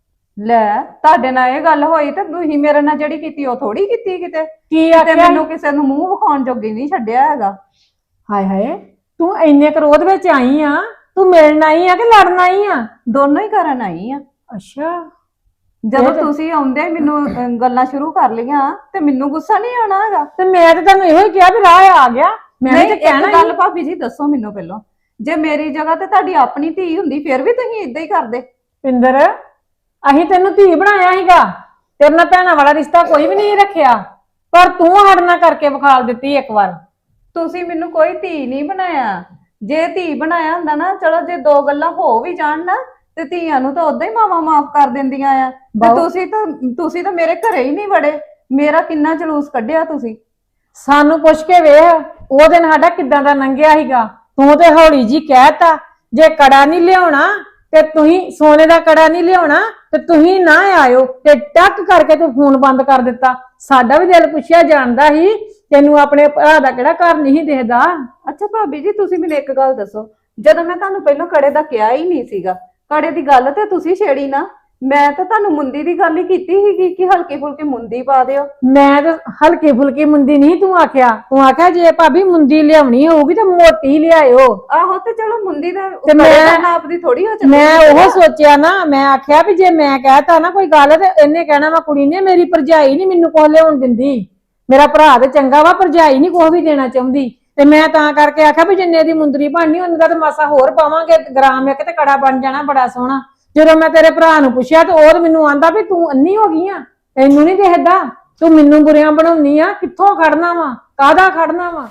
F: ਲੈ ਤੁਹਾਡੇ ਨਾਲ ਇਹ ਗੱਲ ਹੋਈ ਤੇ ਤੁਸੀਂ ਮੇਰੇ ਨਾਲ ਜਿਹੜੀ ਕੀਤੀ ਉਹ ਥੋੜੀ ਕੀਤੀ ਕਿਤੇ।
E: ਕੀ
F: ਤੇ
E: ਆਖਿਆ?
F: ਮੈਨੂੰ ਕਿਸੇ ਨੂੰ ਮੂੰਹ ਵਿਖਾਉਣ ਜੋਗੀ ਨਹੀਂ ਛੱਡਿਆ ਹੈਗਾ।
E: ਹਾਏ ਹਾਏ, ਤੂੰ ਇੰਨੇ ਕਰੋਧ ਵਿੱਚ ਆਈ ਆ? ਤੂੰ ਮਿਲਣ ਆਈ ਆ ਕਿ ਲੜਨ ਆਈ ਆ?
F: ਦੋਨੋਂ ਹੀ ਕਰਨ ਆਈ ਆ।
E: ਅੱਛਾ।
F: ਜਦੋਂ ਤੁਸੀਂ ਆਉਂਦੇ ਮੈਨੂੰ ਅਹ, ਗੱਲਾਂ ਸ਼ੁਰੂ ਕਰ ਲਈਆਂ ਤੇ ਮੈਨੂੰ ਗੁੱਸਾ ਨਹੀਂ ਆਉਣਾ ਹੈਗਾ।
E: ਤੇ ਮੈਂ ਤੇ ਤੈਨੂੰ ਇਹੋ ਹੀ ਕਿਹਾ ਵੀ ਰਾਹ ਆ ਗਿਆ। ਮੈਂ ਵੀ
F: ਨਹੀਂ
E: ਤੇ
F: ਇੱਕ
E: ਕਹਿਣਾ
F: ਗੱਲ ਭਾਬੀ ਜੀ ਦੱਸੋ ਮੈਨੂੰ ਪਹਿਲਾਂ, ਜੇ ਮੇਰੀ ਜਗ੍ਹਾ ਤੇ ਤੁਹਾਡੀ ਆਪਣੀ ਧੀ ਹੁੰਦੀ ਫਿਰ ਵੀ ਤੁਸੀਂ ਇਦਾਂ ਹੀ ਕਰਦੇ?
E: ਪਿੰਦਰ, ਅਸੀਂ ਤੈਨੂੰ ਧੀ ਬਣਾਇਆ ਸੀਗਾ, ਤੇਰੇ ਨਾਲ ਭੈਣਾਂ ਵਾਲਾ ਰਿਸ਼ਤਾ ਕੋਈ ਵੀ ਨਹੀਂ ਰੱਖਿਆ, ਪਰ ਤੂੰ ਸਾਡੇ ਨਾਲ ਕਰਕੇ ਵਿਖਾਲ ਦਿੱਤੀ ਇੱਕ ਵਾਰ।
F: ਤੁਸੀਂ ਮੈਨੂੰ ਕੋਈ ਧੀ ਨਹੀਂ ਬਣਾਇਆ। ਜੇ ਧੀ ਬਣਾਇਆ ਹੁੰਦਾ ਨਾ, ਚਲੋ ਜੇ ਦੋ ਗੱਲਾਂ ਹੋ ਵੀ ਜਾਣ ਨਾ ਤੇ ਧੀਆਂ ਨੂੰ ਤਾਂ ਉਦਾਂ ਹੀ ਮਾਵਾਂ ਮਾਫ ਕਰ ਦਿੰਦੀਆਂ ਆ। ਤੇ ਤੁਸੀਂ ਤਾਂ ਤੁਸੀਂ ਤਾਂ ਮੇਰੇ ਘਰੇ ਹੀ ਨਹੀਂ ਵੜੇ। ਮੇਰਾ ਕਿੰਨਾ ਜਲੂਸ ਕੱਢਿਆ ਤੁਸੀਂ।
E: ਸਾਨੂੰ ਪੁੱਛ ਕੇ ਵੇਖ ਉਹ ਦਿਨ ਸਾਡਾ ਕਿੱਦਾਂ ਦਾ ਲੰਘਿਆ ਸੀਗਾ। ਤੂੰ ਤੇ ਹੌਲੀ ਜੀ ਕਹਿਤਾ ਜੇ ਕੜਾ ਨਹੀਂ ਲਿਆਉਣਾ ਤੇ ਤੁਸੀਂ ਸੋਨੇ ਦਾ ਕੜਾ ਨਹੀਂ ਲਿਆਉਣਾ ਤੇ ਤੁਸੀਂ ਨਾ ਆਇਓ, ਤੇ ਟੱਕ ਕਰਕੇ ਤੂੰ ਫੋਨ ਬੰਦ ਕਰ ਦਿੱਤਾ। ਸਾਡਾ ਵੀ ਦਿਲ ਪੁੱਛਿਆ ਜਾਂਦਾ ਸੀ ਤੈਨੂੰ ਆਪਣੇ ਭਰਾ ਦਾ ਕਿਹੜਾ ਘਰ ਨਹੀਂ ਦਿਖਦਾ।
F: ਅੱਛਾ ਭਾਬੀ ਜੀ ਤੁਸੀਂ ਮੈਨੂੰ ਇੱਕ ਗੱਲ ਦੱਸੋ, ਜਦੋਂ ਮੈਂ ਤੁਹਾਨੂੰ ਪਹਿਲਾਂ ਕੜੇ ਦਾ ਕਿਹਾ ਹੀ ਨਹੀਂ ਸੀਗਾ, ਕੜੇ ਦੀ ਗੱਲ ਤੇ ਤੁਸੀਂ ਛੇੜੀ ਨਾ। ਮੈਂ ਤਾਂ ਤੁਹਾਨੂੰ ਮੁੰਦੀ ਦੀ ਗੱਲ ਹੀ ਕੀਤੀ ਸੀਗੀ ਕਿ ਹਲਕੀ ਫੁਲਕੀ ਮੁੰਦੀ ਪਾ ਦਿਓ।
E: ਮੈਂ ਤਾਂ ਹਲਕੀ ਫੁਲਕੀ ਮੁੰਦੀ ਨਹੀਂ ਤੂੰ ਆਖਿਆ, ਤੂੰ ਆਖਿਆ ਜੇ ਭਾਬੀ ਮੁੰਦੀ ਲਿਆਉਣੀ ਹੋਊਗੀ ਤਾਂ ਮੋਟੀ ਲਿਆਇਓ।
F: ਆਹੋ ਤੇ ਚਲੋ ਮੁੰਦੀ ਦਾ
E: ਤੇ ਮੈਂ
F: ਨਾਪ ਦੀ ਥੋੜੀ ਹੋ ਚੱਲੀ।
E: ਮੈਂ ਉਹ ਸੋਚਿਆ ਨਾ, ਮੈਂ ਆਖਿਆ ਵੀ ਜੇ ਮੈਂ ਕਹਿਤਾ ਨਾ ਕੋਈ ਗੱਲ ਤੇ ਇਹਨੇ ਕਹਿਣਾ ਵਾ ਕੁੜੀ ਨੇ ਮੇਰੀ ਭਰਜਾਈ ਨਹੀਂ ਮੈਨੂੰ ਕੁਛ ਲਿਆਉਣ ਦਿੰਦੀ, ਮੇਰਾ ਭਰਾ ਤੇ ਚੰਗਾ ਵਾ ਭਰਜਾਈ ਨਹੀਂ ਕੁਛ ਵੀ ਦੇਣਾ ਚਾਹੁੰਦੀ। ਤੇ ਮੈਂ ਤਾਂ ਕਰਕੇ ਆਖਿਆ ਵੀ ਜਿੰਨੇ ਦੀ ਮੁੰਦਰੀ ਬਣਨੀ ਉਹਨਾਂ ਦਾ ਤੇ ਮਾਸਾ ਹੋਰ ਪਾਵਾਂਗੇ, ਗ੍ਰਾਮ ਇੱਕ ਤੇ ਕੜਾ ਬਣ ਜਾਣਾ ਬੜਾ ਸੋਹਣਾ। ਜਦੋਂ ਮੈਂ ਤੇਰੇ ਭਰਾ ਨੂੰ ਪੁੱਛਿਆ ਤੇ ਉਹ ਮੈਨੂੰ ਆਂਦਾ ਵੀ ਤੂੰ ਅੰਨੀ ਹੋ ਗਈ ਆ, ਤੈਨੂੰ ਨਹੀਂ ਦੇਖਦਾ, ਤੂੰ ਮੈਨੂੰ ਬੁਰੀਆਂ ਬਣਾਉਣੀ ਆ, ਕਿੱਥੋਂ ਖੜਨਾ ਵਾ, ਕਾਹਦਾ ਖੜਨਾ ਵਾ।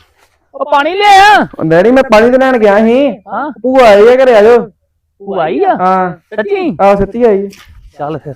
C: ਉਹ ਪਾਣੀ ਲਿਆ।
D: ਡੈਡੀ ਮੈਂ ਪਾਣੀ ਤੇ ਲੈਣ ਗਿਆ ਸੀ।
C: ਹਾਂ
D: ਭੂਆ ਆਈ ਆ ਘਰੇ, ਆ ਜਾਓ।
C: ਤੂੰ ਆਈ ਆ?
D: ਹਾਂ
C: ਸੱਚੀ?
D: ਆਹ ਸੱਚੀ ਆਈ।
C: ਚੱਲ ਫਿਰ।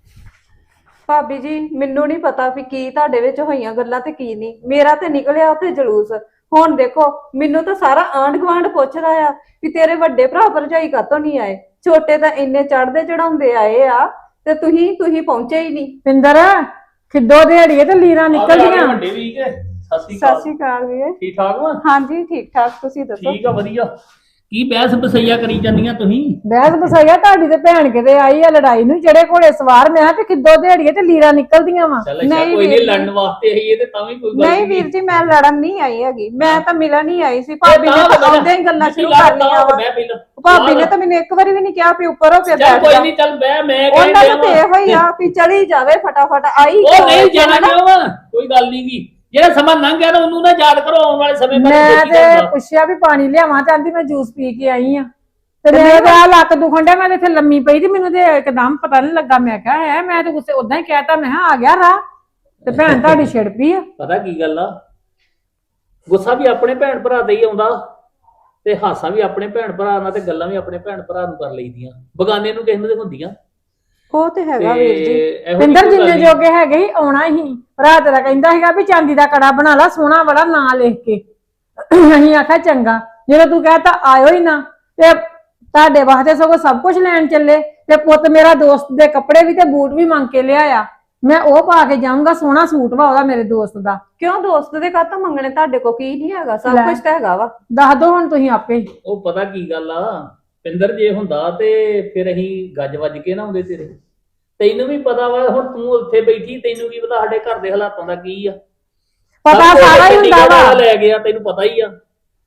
F: ਭਾਬੀ ਜੀ ਮੈਨੂੰ ਨਹੀਂ ਪਤਾ ਵੀ ਕੀ ਤੁਹਾਡੇ ਵਿੱਚ ਹੋਈਆਂ ਗੱਲਾਂ ਤੇ ਕੀ ਨਹੀਂ। ਮੇਰਾ ਤੇ ਨਿਕਲਿਆ ਉੱਥੇ ਜਲੂਸ। ਹੁਣ ਦੇਖੋ ਮੈਨੂੰ ਤਾਂ ਸਾਰਾ ਆਂਢ ਗੁਆਂਢ ਪੁੱਛਦਾ ਆ ਵੀ ਤੇਰੇ ਵੱਡੇ ਭਰਾ ਭਰਜਾਈ ਕਾਤੋਂ ਨਹੀਂ ਆਏ, ਛੋਟੇ ਤਾਂ ਇੰਨੇ ਚੜਦੇ ਚੜਾਉਂਦੇ ਆਏ ਆ ਤੇ ਤੁਸੀਂ ਤੁਸੀਂ ਪਹੁੰਚੇ ਹੀ ਨਹੀਂ।
E: ਪਿੰਦਰ ਖਿੱਦੋ ਦਿਹਾੜੀਏ ਤੇ ਲੀਰਾਂ ਨਿਕਲਦੀਆਂ।
C: ਵੱਡੇ ਵੀ ਕੇ ਸਤਿ ਸ਼੍ਰੀ
F: ਸਤਿ
C: ਅਕਾਲ।
F: ਸ਼੍ਰੀ ਅਕਾਲ ਵੀਰੇ।
C: ਠੀਕ ਠਾਕ ਵਾ?
F: ਹਾਂਜੀ ਠੀਕ ਠਾਕ, ਤੁਸੀਂ ਦੱਸੋ।
C: ਠੀਕ ਆ ਵਧੀਆ। ਕੀ ਬਹਿਸ ਬਸਈਆ ਕਰੀ ਜਾਂਦੀਆਂ ਤੁਸੀਂ?
E: ਬਹਿਸ ਬਸਾਇਆ ਤੁਹਾਡੀ ਤੇ ਭੈਣ ਕਿਤੇ ਆਈ ਆ ਲੜਾਈ ਨੂੰ, ਜਿਹੜੇ ਘੋੜੇ ਸਵਾਰ ਮੈਂ ਤੇ ਖਿੱਦੋ ਦਿਹਾੜੀਏ ਤੇ ਲੀਰਾਂ ਨਿਕਲਦੀਆਂ ਵਾ।
C: ਚੱਲ ਅੱਛਾ
F: ਨਹੀਂ
C: ਕੋਈ
F: ਵੀਰ
C: ਨਹੀਂ, ਲੜਨ ਵਾਸਤੇ ਆਈ ਤੇ ਤਾਂ ਵੀ ਕੋਈ ਗੱਲ
F: ਨਹੀਂ ਵੀਰ ਜੀ ਮੈਂ ਲੜਨ ਨਹੀਂ ਆਈ ਹੈਗੀ, ਮੈਂ ਤਾਂ ਮਿਲਣ ਹੀ ਆਈ ਸੀ। ਭਾਬੀ ਨੇ ਤਾਂ ਆਉਂਦੇ ਹੀ ਗੱਲਾਂ ਸ਼ੁਰੂ ਕਰ ਲਈਆਂ ਵਾ। ਭਾਬੀ ਨੇ ਤਾਂ ਮੈਨੂੰ ਇੱਕ ਵਾਰੀ ਵੀ ਨਹੀਂ ਕਿਹਾ ਵੀ ਉੱਪਰ ਹੋ ਕੇ
C: ਚੱਲ
F: ਬੈਠ
C: ਕੋਈ
F: ਜਾ।
C: ਨਹੀਂ, ਚੱਲ ਬਹਿ, ਮੈਂ
F: ਉਹਨਾਂ
C: ਕਹਿ
F: ਦਾ ਤੇ ਇਹੋ ਹੀ ਆ ਵੀ ਚਲੀ ਜਾਵੇ ਫਟਾਫਟ ਆਈ।
C: ਉਹ ਨਹੀਂ ਜਾਣਾ ਕਿਉਂ ਵਾ, ਕੋਈ ਗੱਲ ਨਹੀਂ ਗੀ। ਜਿਹੜਾ ਸਮਾਂ ਲੰਘ ਗਿਆ ਨਾ ਉਹਨੂੰ ਨਾ ਯਾਦ ਕਰੋ, ਆਉਣ ਵਾਲੇ ਸਮੇਂ ਬਾਰੇ
E: ਮੈਂ
C: ਸੋਚੀ
E: ਤੇ
C: ਜਾਊਗਾ।
E: ਪੁੱਛਿਆ ਵੀ ਪਾਣੀ ਲਿਆਵਾਂ ਤੇ ਆਂਦੀ ਮੈਂ ਜੂਸ ਪੀ ਕੇ ਆਈ ਆ, ਤੇ ਮੇਰੇ ਤੇ ਆ ਲੱਕ ਦੁਖਣ ਡਿਆ, ਮੈਂ ਤੇ ਇੱਥੇ ਲੰਮੀ ਪਈ ਤੇ ਮੈਨੂੰ ਤੇ ਇੱਕਦਮ ਪਤਾ ਨਹੀਂ ਲੱਗਾ। ਮੈਂ ਕਿਹਾ ਹੈ ਮੈਂ ਤੇ ਗੁੱਸੇ ਉਦਾਂ ਹੀ ਕਹਿਤਾ, ਮੈਂ ਕਿਹਾ ਆ ਗਿਆ ਰਾਹ ਤੇ ਭੈਣ ਤੁਹਾਡੀ ਛਿੜ ਪਈ ਆ।
C: ਪਤਾ ਕੀ ਗੱਲ ਆ, ਗੁੱਸਾ ਵੀ ਆਪਣੇ ਭੈਣ ਭਰਾ ਦਾ ਹੀ ਆਉਂਦਾ ਤੇ ਹਾਸਾ ਵੀ ਆਪਣੇ ਭੈਣ ਭਰਾ ਨਾਲ ਤੇ ਗੱਲਾਂ ਵੀ ਆਪਣੇ ਭੈਣ ਭਰਾ ਨੂੰ ਕਰ ਲਈਦੀਆਂ, ਬਗਾਨੇ ਨੂੰ ਕਿਸੇ ਨੂੰ ਤੇ ਹੁੰਦੀਆਂ।
F: ਉਹ ਤੇ ਹੈਗਾ ਵੀਰ ਜੀ।
C: ਇਹੋ ਜਿਹੀ
G: ਪਿੰਦਰ
C: ਕੋਈ ਗੱਲ
G: ਜਿੰਨੇ
C: ਨੀ।
G: ਜੋਗੇ ਹੈਗੇ ਸੀ ਆਉਣਾ ਹੀ ਭਰਾ ਤੇਰਾ ਕਹਿੰਦਾ ਸੀਗਾ ਵੀ ਚਾਂਦੀ ਦਾ ਕੜਾ ਬਣਾ ਲਾ ਸੋਹਣਾ ਬੜਾ ਨਾਂ ਲਿਖ ਕੇ। ਅਸੀਂ ਆਖਿਆ ਚੰਗਾ, ਜਦੋਂ ਤੂੰ ਕਹਤਾ ਆਇਓ ਹੀ ਨਾ ਤੇ ਤੁਹਾਡੇ ਵਾਸਤੇ ਸਗੋਂ ਸਭ ਕੁਝ ਲੈਣ ਚੱਲੇ ਤੇ ਪੁੱਤ ਮੇਰਾ ਦੋਸਤ ਦੇ ਕੱਪੜੇ ਵੀ ਤੇ ਬੂਟ ਵੀ ਮੰਗ ਕੇ ਲਿਆਇਆ, ਮੈਂ ਉਹ ਪਾ ਕੇ ਜਾਊਂਗਾ, ਸੋਹਣਾ ਸੂਟ ਵਾ ਉਹਦਾ ਮੇਰੇ ਦੋਸਤ ਦਾ।
F: ਕਿਉਂ ਦੋਸਤ ਦੇ ਕਾਹਤੋਂ ਮੰਗਣੇ, ਤੁਹਾਡੇ ਕੋ ਕੀ ਨਹੀਂ ਹੈਗਾ, ਸਭ
G: ਲੈ।
F: ਕੁਝ ਤਾਂ ਹੈਗਾ ਵਾ।
G: ਦੱਸ ਦੋ ਹੁਣ ਤੁਸੀਂ ਆਪੇ।
C: ਉਹ ਪਤਾ ਕੀ ਗੱਲ ਆ ਪਿੰਦਰ, ਜੇ ਹੁੰਦਾ ਤੇ ਫਿਰ ਅਸੀਂ ਗੱਜ ਵੱਜ ਕੇ ਨਾ ਆਉਂਦੇ ਤੇਰੇ। ਤੈਨੂੰ ਵੀ ਪਤਾ ਵਾ, ਹੁਣ ਤੂੰ ਉੱਥੇ ਬੈਠੀ, ਤੈਨੂੰ ਕੀ ਪਤਾ ਸਾਡੇ ਘਰ ਦੇ ਹਾਲਾਤਾਂ ਦਾ ਕੀ ਆ।
G: ਪਤਾ
C: ਸਭ ਕੁਝ
G: ਸਾਰਾ ਹੀ ਹੁੰਦਾ
C: ਚੰਡੀਗੜ੍ਹ ਵਾਲਾ
G: ਵਾ।
C: ਲੈ ਗਿਆ, ਤੈਨੂੰ ਪਤਾ ਹੀ ਆ।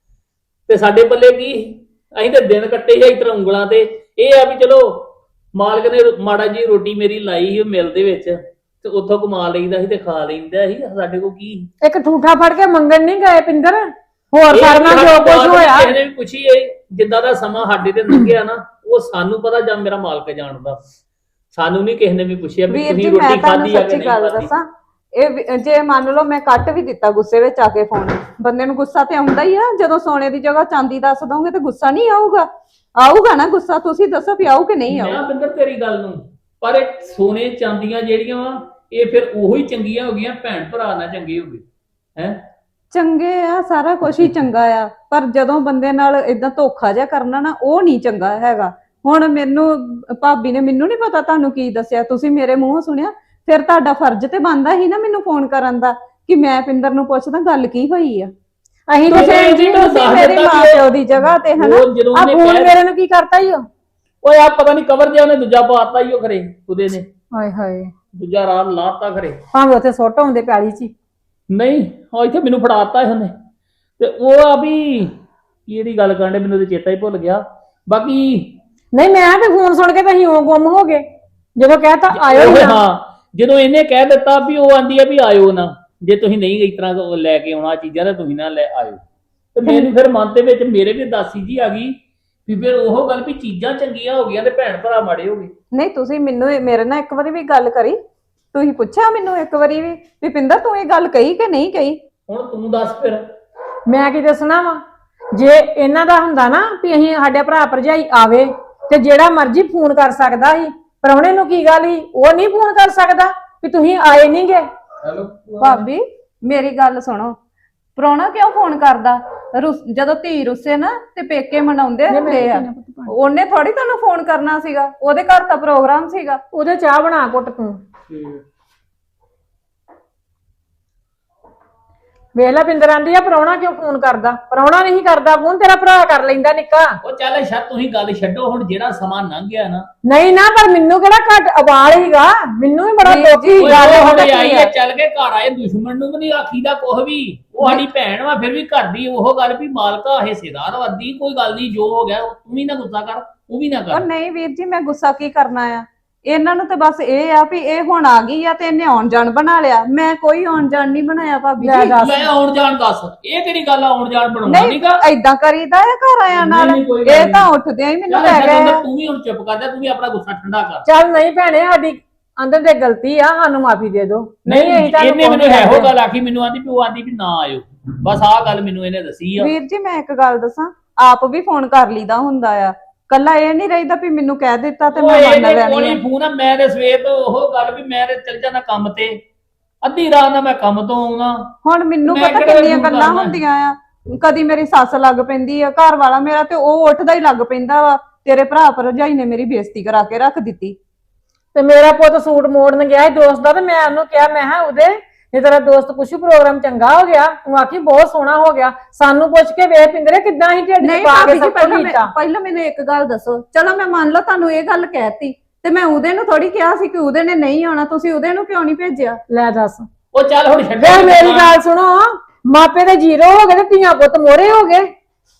C: ਤੇ ਸਾਡੇ ਪੱਲੇ ਕੀ, ਅਸੀਂ ਤੇ ਦਿਨ ਕੱਟੇ ਸੀ ਇਤਰ ਉਂਗਲਾਂ ਤੇ। ਇਹ ਆ ਵੀ ਚਲੋ ਮਾਲਕ ਨੇ ਮਾੜਾ ਜੀ ਰੋਟੀ ਮੇਰੀ ਲਾਈ ਸੀ ਮਿਲ ਦੇ ਵਿੱਚ, ਤੇ ਉੱਥੋਂ ਕਮਾ ਲਈਦਾ ਸੀ ਤੇ ਖਾ ਲੈਂਦਾ ਸੀ। ਸਾਡੇ ਕੋਲ ਕੀ
G: ਇੱਕ ਠੂਠਾ ਫੜ ਕੇ ਮੰਗਣ ਨਹੀਂ ਗਏ ਪਿੰਦਰ, ਹੋਰ
C: ਇਹ
G: ਕਰਨਾ
C: ਸਾਡੀ
G: ਜੋ ਕੁਝ
C: ਬਾਤ
G: ਹੋਇਆ।
C: ਕਿਸੇ ਨੇ ਵੀ ਪੁੱਛੀ ਏ, ਜਿੱਦਾਂ ਦਾ ਸਮਾਂ ਸਾਡੇ ਤੇ ਲੰਘਿਆ ਨਾ, ਉਹ ਸਾਨੂੰ ਪਤਾ ਜਾਂ ਮੇਰਾ ਮਾਲਕ ਜਾਣਦਾ। ਸਾਨੂੰ ਨਹੀਂ ਕਿਸੇ ਨੇ ਵੀ ਪੁੱਛਿਆ ਵੀ
F: ਵੀਰ ਜੀ
C: ਤੁਸੀਂ
F: ਮੈਂ
C: ਰੋਟੀ
F: ਤੁਹਾਨੂੰ
C: ਖਾਧੀ ਆ ਕਿ
F: ਸੱਚੀ
C: ਨਹੀਂ
F: ਗੱਲ
C: ਖਾਧੀ।
F: ਦੱਸਾਂ, ਇਹ ਵੀ- ਜੇ ਮੰਨ ਲਓ ਮੈਂ ਕੱਟ ਵੀ ਦਿੱਤਾ ਗੁੱਸੇ ਵਿੱਚ ਆ ਕੇ ਫੋਨ, ਬੰਦੇ ਨੂੰ ਗੁੱਸਾ ਤੇ ਆਉਂਦਾ ਹੀ ਆ। ਜਦੋਂ ਸੋਨੇ ਦੀ ਜਗ੍ਹਾ ਚਾਂਦੀ ਦੱਸ ਦੋਗੇ ਤੇ ਗੁੱਸਾ ਨਹੀਂ ਆਊਗਾ? ਆਊਗਾ ਨਾ ਗੁੱਸਾ। ਤੁਸੀਂ ਦੱਸੋ ਵੀ ਆਊ ਕਿ ਨਹੀਂ
C: ਮੈਂ
F: ਆਊ?
C: ਬਿੰਦਰ ਤੇਰੀ ਗੱਲ ਨੂੰ, ਪਰ ਇਹ ਸੋਨੇ ਚਾਂਦੀਆਂ ਜਿਹੜੀਆਂ ਵਾ ਇਹ ਫਿਰ ਉਹੋ ਹੀ ਚੰਗੀਆਂ ਹੋ ਗਈਆਂ, ਭੈਣ ਭਰਾ ਨਾਲ ਚੰਗੇ ਹੋ ਗਏ ਹੈ।
F: ਚੰਗੇ ਆ, ਸਾਰਾ ਕੁਝ ਹੀ ਚੰਗਾ ਆ, ਪਰ ਜਦੋਂ ਬੰਦੇ ਨਾਲ ਇਦਾਂ ਧੋਖਾ ਜਿਹਾ ਕਰਨਾ ਨਾ, ਉਹ ਨਹੀਂ ਚੰਗਾ ਹੈਗਾ। ਹੁਣ ਮੈਨੂੰ ਭਾਬੀ ਨੇ, ਮੈਨੂੰ ਨਹੀਂ ਪਤਾ ਤੁਹਾਨੂੰ ਕੀ ਦੱਸਿਆ, ਤੁਸੀਂ ਮੇਰੇ ਮੂੰਹੋਂ ਸੁਣਿਆ, ਫਿਰ ਤੁਹਾਡਾ ਫਰਜ਼ ਤੇ ਬਣਦਾ ਹੀ ਨਾ ਮੈਨੂੰ ਫੋਨ ਕਰਨ ਦਾ ਕਿ ਮੈਂ ਪਿੰਦਰ ਨੂੰ ਪੁੱਛਦਾ ਗੱਲ ਕੀ ਹੋਈ ਆ।
G: ਅਸੀਂ
C: ਤੁਸੀਂ
G: ਤੇ
F: ਜੀ
C: ਮੈਨੂੰ
F: ਤੁਸੀਂ
C: ਦੱਸ
F: ਮੇਰੇ
C: ਦਿੱਤਾ
F: ਮਾਂ
C: ਕਿ
F: ਪਿਓ ਦੀ ਜਗ੍ਹਾ ਤੇ ਹਨਾ।
C: ਉਹ ਜਦੋਂ
G: ਆ
C: ਉਹਨੇ
G: ਫੋਨ
C: ਕਹਿ-
G: ਮੇਰੇ ਨੂੰ ਕੀ ਕਰਤਾ ਈ ਉਹ?
C: ਓਏ ਆ ਪਤਾ ਨਹੀਂ ਕਵਰ ਜਿਹਾ ਉਹਨੇ ਦੂਜਾ ਪਾਤਾ ਹੀ ਉਹ ਖਰੇ, ਉਹਦੇ ਨੇ
G: ਹਾਏ ਹਾਏ,
C: ਦੂਜਾ ਰਾਤ ਲਾਤਾ ਖਰੇ।
G: ਭਾਵੇਂ ਉੱਥੇ ਸੁੱਟ ਆਉਂਦੇ ਪੈਲੀ 'ਚ ਹੀ।
C: ਨਹੀਂ ਉਹ ਇੱਥੇ ਮੈਨੂੰ ਫੜਾਤਾ ਉਹਨੇ। ਤੇ ਉਹ ਆ ਵੀ ਕਿਹੜੀ ਗੱਲ ਕਰਨ ਦੇ, ਮੈਨੂੰ ਤੇ ਚੇਤਾ ਹੀ ਭੁੱਲ ਗਿਆ। ਬਾਕੀ
G: ਨਹੀਂ ਮੈਂ ਤੇ ਫੋਨ ਸੁਣ ਕੇ ਤਾਂ ਅਸੀਂ ਉਹ ਗੁੰਮ ਹੋ ਗਏ ਜਦੋਂ ਕਹਿਤਾ ਆਇਓ ਹੀ
C: ਉਹ
G: ਨਾ।
C: ਹਾਂ, ਜਦੋਂ ਇਹਨੇ ਕਹਿ ਦਿੱਤਾ ਵੀ ਉਹ ਆਂਦੀ ਆ ਵੀ ਆਇਓ ਨਾ, ਜੇ ਤੁਸੀਂ ਨਹੀਂ ਇਸ ਤਰ੍ਹਾਂ ਲੈ ਕੇ ਆਉਣਾ ਚੀਜ਼ਾਂ ਤਾਂ ਤੁਸੀਂ ਨਾ ਲੈ ਆਇਓ। ਤੇ ਮੈਨੂੰ ਫਿਰ ਮਨ ਦੇ ਵਿੱਚ ਮੇਰੇ ਵੀ ਦਾਸੀ ਜੀ ਆ ਗਈ ਵੀ ਫਿਰ ਉਹ ਗੱਲ ਵੀ ਚੀਜ਼ਾਂ ਚੰਗੀਆਂ ਹੋ ਗਈਆਂ ਤੇ ਭੈਣ ਭਰਾ ਮਾੜੇ ਹੋ ਗਏ।
F: ਨਹੀਂ ਤੁਸੀਂ ਮੈਨੂੰ ਇਹ- ਮੇਰੇ ਨਾਲ ਇੱਕ ਵਾਰੀ ਵੀ ਗੱਲ ਕਰੀ, ਤੁਸੀਂ ਪੁੱਛਿਆ ਮੈਨੂੰ ਇੱਕ ਵਾਰੀ ਵੀ ਵੀ ਪਿੰਦਰ ਤੂੰ ਇਹ ਗੱਲ ਕਹੀ ਕਿ ਨਹੀਂ ਕਹੀ?
C: ਹੁਣ ਤੂੰ ਦੱਸ ਫਿਰ।
G: ਮੈਂ ਕੀ ਦੱਸਣਾ ਵਾ, ਜੇ ਇਹਨਾਂ ਦਾ ਹੁੰਦਾ ਨਾ ਵੀ ਅਸੀਂ ਸਾਡੇ ਭਰਾ ਭਰਜਾਈ ਆਵੇ ਤੇ ਜਿਹੜਾ ਮਰਜ਼ੀ ਫੋਨ ਕਰ ਸਕਦਾ ਸੀ, ਪ੍ਰਾਹੁਣੇ ਨੂੰ ਕੀ ਗੱਲ ਸੀ, ਉਹ ਨਹੀਂ ਫੋਨ ਕਰ ਸਕਦਾ ਵੀ ਤੁਸੀਂ ਆਏ ਨਹੀਂਗੇ।
C: ਹੈਲੋ
F: ਭਾਬੀ ਮੇਰੀ ਗੱਲ ਸੁਣੋ, ਪ੍ਰਾਹੁਣਾ ਕਿਉਂ ਫੋਨ ਕਰਦਾ? ਰੁੱਸ- ਜਦੋਂ ਧੀ ਰੁੱਸੇ ਨਾ ਤੇ ਪੇਕੇ ਮਨਾਉਂਦੇ ਹੁੰਦੇ ਆ, ਉਹਨੇ ਥੋੜੀ ਤੁਹਾਨੂੰ ਫੋਨ ਕਰਨਾ ਸੀਗਾ, ਉਹਦੇ ਘਰ ਤਾਂ ਪ੍ਰੋਗਰਾਮ ਸੀਗਾ।
G: ਉਹਦੇ ਚਾਹ ਬਣਾ ਕੁੱਟ ਤੂੰ। ਵੇਖ ਲੈ ਪਿੰਦਰ ਆਂਦੀ ਆ ਪ੍ਰਾਹੁਣਾ ਕਿਉਂ ਫੋਨ ਕਰਦਾ? ਪ੍ਰਾਹੁਣਾ ਨਹੀਂ ਕਰਦਾ ਫੋਨ, ਤੇਰਾ ਭਰਾ ਕਰ ਲੈਂਦਾ ਨਿੱਕਾ।
C: ਉਹ ਚੱਲ ਸ਼ਾਇਦ ਤੁਸੀਂ ਗੱਲ ਛੱਡੋ, ਹੁਣ ਜਿਹੜਾ ਸਮਾਂ ਲੰਘ ਗਿਆ ਨਾ,
G: ਨਹੀਂ ਨਾ, ਪਰ ਮੈਨੂੰ ਕਿਹੜਾ ਘੱਟ ਅਵਾਲ ਹੀਗਾ, ਮੈਨੂੰ ਵੀ ਬੜਾ
F: ਜੀ,
G: ਦੁੱਖ
F: ਜੀ,
G: ਸੀ
C: ਉਹ
G: ਗੱਲ
C: ਹੁਣ
G: ਹੋਣੀ
C: ਆਈ
G: ਆ।
C: ਹੈ ਚੱਲ ਕੇ ਘਰ ਆਏ, ਦੁਸ਼ਮਣ ਨੂੰ ਵੀ ਨਹੀਂ ਆਖੀਦਾ ਕੁਛ ਵੀ। ਉਹ ਸਾਡੀ ਭੈਣ ਵਾ, ਫਿਰ ਵੀ ਘਰ ਦੀ ਉਹ ਗੱਲ ਵੀ ਮਾਲਕਾ ਹਿੱਸੇਦਾਰ ਵਾਦੀ, ਕੋਈ ਗੱਲ ਨਹੀਂ, ਜੋ ਹੋ ਗਿਆ ਤੂੰ ਵੀ ਨਾ ਗੁੱਸਾ ਕਰ, ਉਹ ਵੀ ਨਾ
F: ਉਹ
C: ਕਰ।
F: ਨਹੀਂ ਵੀਰ ਜੀ, ਮੈਂ ਗੁੱਸਾ ਕੀ ਕਰਨਾ ਆ? ਇਹਨਾਂ ਨੂੰ ਤਾਂ ਬਸ ਇਹ ਆ ਵੀ ਇਹ ਹੁਣ ਆ ਗਈ ਆ ਤੇ ਇਹਨੇ ਆਉਣ ਜਾਣ ਬਣਾ ਲਿਆ। ਮੈਂ ਕੋਈ ਆਉਣ ਜਾਣ ਨਹੀਂ ਬਣਾਇਆ ਭਾਬੀ
G: ਲੈ
F: ਜੀ।
G: ਦੱਸ।
C: ਲੈ ਆਉਣ ਜਾਣ ਦੱਸ, ਇਹ ਕਿਹੜੀ ਗੱਲ ਆ ਆਉਣ ਜਾਣ ਬਣਾਉਣਾ
F: ਨਹੀਂ
C: ਨਹੀਂਗਾ।
F: ਏਦਾਂ ਕਰੀਦਾ ਆ ਘਰ ਆਇਆ ਨਾਲ,
C: ਨਹੀਂ, ਕੋਈ ਗੱਲ
F: ਇਹ
C: ਨਹੀਂ।
F: ਤਾਂ ਉੱਠਦਿਆਂ ਹੀ ਮੈਨੂੰ
C: ਚੱਲ
F: ਲੈ
C: ਸ਼ਰਮਿੰਦਰ,
F: ਗਏ।
C: ਤੂੰ ਵੀ ਹੁਣ ਚੁੱਪ ਕਰ ਜਾ, ਤੂੰ ਵੀ ਆਪਣਾ ਗੁੱਸਾ ਠੰਡਾ ਕਰ।
G: ਚੱਲ ਨਹੀਂ ਭੈਣੇ, ਸਾਡੀ ਅੰਦਰ ਤੇ ਗਲਤੀ ਆ, ਸਾਨੂੰ ਮਾਫੀ ਦੇ ਦਿਓ। ਨਹੀਂ ਅਸੀਂ ਤੁਹਾਨੂੰ
C: ਇਹਨੇ ਮੈਨੂੰ
G: ਕੁਛ ਨੀ
C: ਇਹੋ
G: ਕਹਿੰਦੇ।
C: ਗੱਲ ਆਖੀ, ਮੈਨੂੰ ਆਂਦੀ ਵੀ ਉਹ ਆਂਦੀ ਵੀ ਨਾ ਆਇਓ, ਬਸ ਆਹ ਗੱਲ ਮੈਨੂੰ ਇਹਨੇ ਦੱਸੀ ਆ।
F: ਵੀਰ ਜੀ ਮੈਂ ਇੱਕ ਗੱਲ ਦੱਸਾਂ, ਆਪ ਵੀ ਫੋਨ ਕਰ ਲਈਦਾ ਹੁੰਦਾ ਆ, ਕੱਲਾ ਇਹ ਨਹੀਂ ਰਹਿੰਦਾ ਵੀ ਮੈਨੂੰ ਕਹਿ ਦਿੱਤਾ ਤੇ
C: ਉਹ
F: ਮੈਂ ਮੰਨ
C: ਇਹਦੇ
F: ਲੈਣੀ
C: ਕੋਲ ਹੀ
F: ਆ।
C: ਫੋਨ ਆ, ਮੈਂ ਤੇ ਸਵੇਰ ਤੋਂ ਉਹ ਗੱਲ ਵੀ ਮੈਂ ਤੇ ਚੱਲ ਜਾਣਾ ਕੰਮ ਤੇ, ਅੱਧੀ ਰਾਤ ਨਾਲ ਮੈਂ ਕੰਮ ਤੋਂ ਆਉਣਾ।
F: ਹੁਣ ਮੈਨੂੰ
C: ਮੈਂ
F: ਪਤਾ
C: ਕਿਹੜਾ
F: ਕਿੰਨੀਆਂ
C: ਫੋਨ
F: ਗੱਲਾਂ
C: ਕਰਨਾ?
F: ਹੁੰਦੀਆਂ ਆ, ਕਦੀ ਮੇਰੀ ਸੱਸ ਲੱਗ ਪੈਂਦੀ ਆ, ਘਰ ਵਾਲਾ ਮੇਰਾ ਤੇ ਉਹ ਉੱਠਦਾ ਹੀ ਲੱਗ ਪੈਂਦਾ ਵਾ, ਤੇਰੇ ਭਰਾ ਭਰਜਾਈ ਨੇ ਮੇਰੀ ਬੇਇੱਜ਼ਤੀ ਕਰਾ ਕੇ ਰੱਖ ਦਿੱਤੀ।
G: ਤੇ ਮੇਰਾ ਪੁੱਤ ਸੂਟ ਮੋੜਨ ਗਿਆ ਸੀ ਦੋਸਤ ਦਾ, ਤੇ ਮੈਂ ਉਹਨੂੰ ਕਿਹਾ, ਮੈਂ ਕਿਹਾ ਉਹਦੇ ਜੇ ਤੇਰਾ ਦੋਸਤ ਪੁੱਛੂ ਪ੍ਰੋਗਰਾਮ ਚੰਗਾ ਹੋ ਗਿਆ, ਤੂੰ ਆਖੀ ਬਹੁਤ ਸੋਹਣਾ ਹੋ ਗਿਆ, ਸਾਨੂੰ ਪੁੱਛ ਕੇ ਵੇਖ ਪਿੰਦਰੇ ਕਿੱਦਾਂ ਹੀ ਢਿੱਡ
F: ਨਹੀਂ
G: ਚ ਪਾ
F: ਭਾਬੀ
G: ਕੇ
F: ਜੀ,
G: ਸਭ ਕੁਝ
F: ਪਹਿਲਾਂ
G: ਕੀਤਾ।
F: ਮੈਂ- ਪਹਿਲਾਂ ਮੈਨੂੰ ਇੱਕ ਗੱਲ ਦੱਸੋ, ਚਲੋ ਮੈਂ ਮੰਨ ਲਓ ਤੁਹਾਨੂੰ ਇਹ ਗੱਲ ਕਹਿਤੀ, ਤੇ ਮੈਂ ਉਹਦੇ ਨੂੰ ਥੋੜੀ ਕਿਹਾ ਸੀ ਕਿ ਉਹਦੇ ਨੇ ਨਹੀਂ ਆਉਣਾ, ਤੁਸੀਂ ਉਹਦੇ ਨੂੰ ਕਿਉਂ ਨਹੀਂ ਭੇਜਿਆ?
G: ਲੈ ਦੱਸ,
C: ਉਹ ਚੱਲ ਹੁਣ ਛੱਡ
G: ਵੇ ਮੇਰੀ ਗੱਲ ਸੁਣੋ, ਮਾਪੇ ਦੇ ਜ਼ੀਰੋ ਹੋ ਗਏ ਤੇ ਧੀਆਂ ਪੁੱਤ ਮੋਰੇ ਹੋ ਗਏ,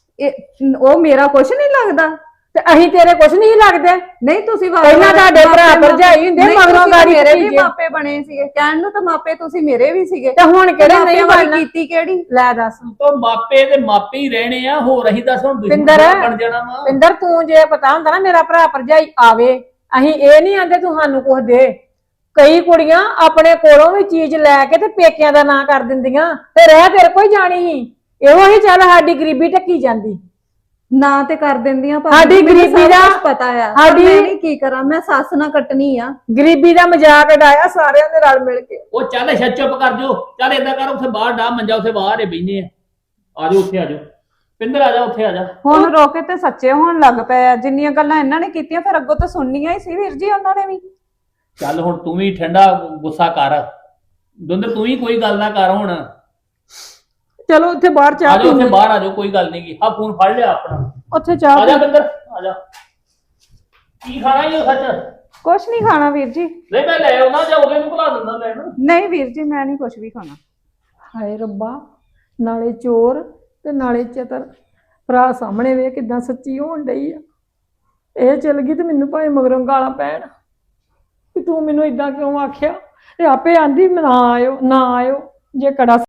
F: ਇਹ ਉਹ ਮੇਰਾ ਕੁਛ ਨਹੀਂ ਲੱਗਦਾ।
G: ਤੇ ਅਸੀਂ ਤੇਰੇ ਕੁਛ ਨਹੀਂ ਲੱਗਦੇ।
F: ਨਹੀਂ ਤੁਸੀਂ ਵਾ-
G: ਪਹਿਲਾਂ ਤੁਹਾਡੇ ਭਰਾ
F: ਮਾਪੇ-
G: ਭਰਜਾਈ ਹੁੰਦੇ,
F: ਨਹੀਂ,
G: ਮਗਰੋਂ
F: ਤੁਸੀਂ
G: ਗਾੜੀ
F: ਮੇਰੇ ਵੀ
G: ਭਤੀਜੇ।
F: ਮਾਪੇ ਬਣੇ ਸੀਗੇ, ਕਹਿਣ ਨੂੰ ਤਾਂ ਮਾਪੇ ਤੁਸੀਂ ਮੇਰੇ ਵੀ ਸੀਗੇ,
G: ਤੇ ਹੁਣ ਕਿਹੜੇ
F: ਮਾਪਿਆਂ
G: ਨਹੀਂ
F: ਵਾਲੀ
G: ਬਣਨਾ?
F: ਕੀਤੀ ਕਿਹੜੀ?
G: ਲੈ ਦੱਸ
C: ਤੋਂ ਮਾਪੇ ਤੇ ਮਾਪੇ ਹੀ ਰਹਿਣੇ ਆ, ਹੋਰ ਅਸੀਂ ਦੱਸ ਹੁਣ
G: ਪਿੰਦਰ,
C: ਦੁਸ਼ਮਣ ਬਣ ਜਾਣਾ ਵਾ।
G: ਪਿੰਦਰ ਤੂੰ ਜੇ ਪਤਾ ਹੁੰਦਾ ਨਾ ਮੇਰਾ ਭਰਾ ਭਰਜਾਈ ਆਵੇ, ਅਸੀਂ ਇਹ ਨਹੀਂ ਆਂਦੇ ਤੂੰ ਸਾਨੂੰ ਕੁਝ ਦੇ। ਕਈ ਕੁੜੀਆਂ ਆਪਣੇ ਕੋਲੋਂ ਵੀ ਚੀਜ਼ ਲੈ ਕੇ ਤੇ ਪੇਕਿਆਂ ਦਾ ਨਾਂ ਕਰ ਦਿੰਦੀਆਂ ਤੇ ਰਹਿ ਤੇਰੇ ਕੋਈ ਜਾਣੀ ਸੀ। ਇਹੋ ਹੀ ਚੱਲ ਸਾਡੀ ਗਰੀਬੀ ਢੱਕੀ ਜਾਂਦੀ।
F: ਨਾ ਤੇ ਕਰ ਦਿੰਦੀਆਂ ਭਾਬੀ
G: ਸਾਡੀ
F: ਜੀ, ਮੈਨੂੰ
G: ਗਰੀਬੀ
F: ਸਭ
G: ਦਾ-
F: ਕੁਛ ਪਤਾ ਆ ਪਰ
G: ਸਾਡੀ-
F: ਮੈਂ ਨਹੀਂ ਕੀ ਕਰਾਂ, ਮੈਂ ਸੱਸ ਨਾ ਕੱਟਣੀ ਆ।
G: ਗਰੀਬੀ ਦਾ ਮਜ਼ਾਕ ਉਡਾਇਆ ਸਾਰਿਆਂ ਨੇ ਰਲ ਮਿਲ ਕੇ।
C: ਉਹ ਚੱਲ ਛੱਡ ਚੁੱਪ ਕਰ ਜੋ, ਚੱਲ ਏਦਾਂ ਕਰ ਉੱਥੇ ਬਾਹਰ ਡਾ ਮੰਜਾ, ਉੱਥੇ ਬਾਹਰ ਹੀ ਬੈਠੇ ਆ। ਆ ਜਾਓ ਉੱਥੇ ਆ ਜਾਓ, ਪਿੰਦਰ ਆ ਜਾ ਉੱਥੇ ਆ ਜਾ।
F: ਹੁਣ ਰੋਕੇ ਤੇ ਸੱਚੇ ਹੋਣ ਲੱਗ ਪਏ ਆ। ਜਿੰਨੀਆਂ ਗੱਲਾਂ ਇਹਨਾਂ ਨੇ ਕੀਤੀਆਂ ਫਿਰ ਅੱਗੋਂ ਤਾਂ ਸੁਣਨੀਆਂ ਹੀ ਸੀ ਵੀਰ ਜੀ ਉਹਨਾਂ ਨੇ ਵੀ।
C: ਚੱਲ ਹੁਣ ਤੂੰ ਵੀ ਠੰਡਾ ਗੁੱਸਾ ਕਰ, ਦੁੰਦਰ ਤੂੰ ਵੀ ਕੋਈ ਗੱਲ ਨਾ ਕਰ ਹੁਣ।
G: ਚਲੋ ਉੱਥੇ ਬਾਹਰ
C: ਆ
G: ਚਾਹ
C: ਜਾਓ ਉੱਥੇ
G: ਪੀਂਦੇ,
C: ਬਾਹਰ ਆ ਜਾਓ, ਕੋਈ ਗੱਲ ਨਹੀਂ ਗੀ। ਆ ਫੋਨ ਫੜ ਲਿਆ ਆਪਣਾ,
G: ਉੱਥੇ ਚਾਹ
C: ਆ ਜਾ
G: ਪੀ-
C: ਪਿੰਦਰ ਆ ਜਾ। ਕੀ ਖਾਣਾ ਹੀ ਉਹ ਸੱਚ?
F: ਕੁਛ ਨਹੀਂ ਖਾਣਾ ਵੀਰ ਜੀ।
C: ਨਹੀਂ ਮੈਂ ਲੈ ਆਉਣਾ, ਜਾਂ ਉਹਦੇ ਨੂੰ ਭੁਲਾ ਦਿੰਦਾ ਲੈਣ।
F: ਨਹੀਂ ਵੀਰ ਜੀ ਮੈਂ ਨਹੀਂ ਕੁਛ ਵੀ ਖਾਣਾ।
G: ਹਾਏ ਰੱਬਾ, ਨਾਲੇ ਚੋਰ ਤੇ ਨਾਲੇ ਚਤਰ। ਭਰਾ ਸਾਹਮਣੇ ਵੇ ਕਿਦਾਂ ਸੱਚੀ ਹੋਣ ਡਈ ਆ। ਇਹ ਚਲ ਗਈ ਤੇ ਮੈਨੂੰ ਭਾਵੇਂ ਮਗਰੋਂ ਗਾਲਾਂ ਪੈਣ ਕਿ ਤੂੰ ਮੈਨੂੰ ਇਦਾਂ ਕਿਉਂ ਆਖਿਆ। ਤੇ ਆਪੇ ਆਂਦੀ ਨਾ ਆਇਓ ਨਾ ਆਇਓ, ਜੇ ਕੜਾ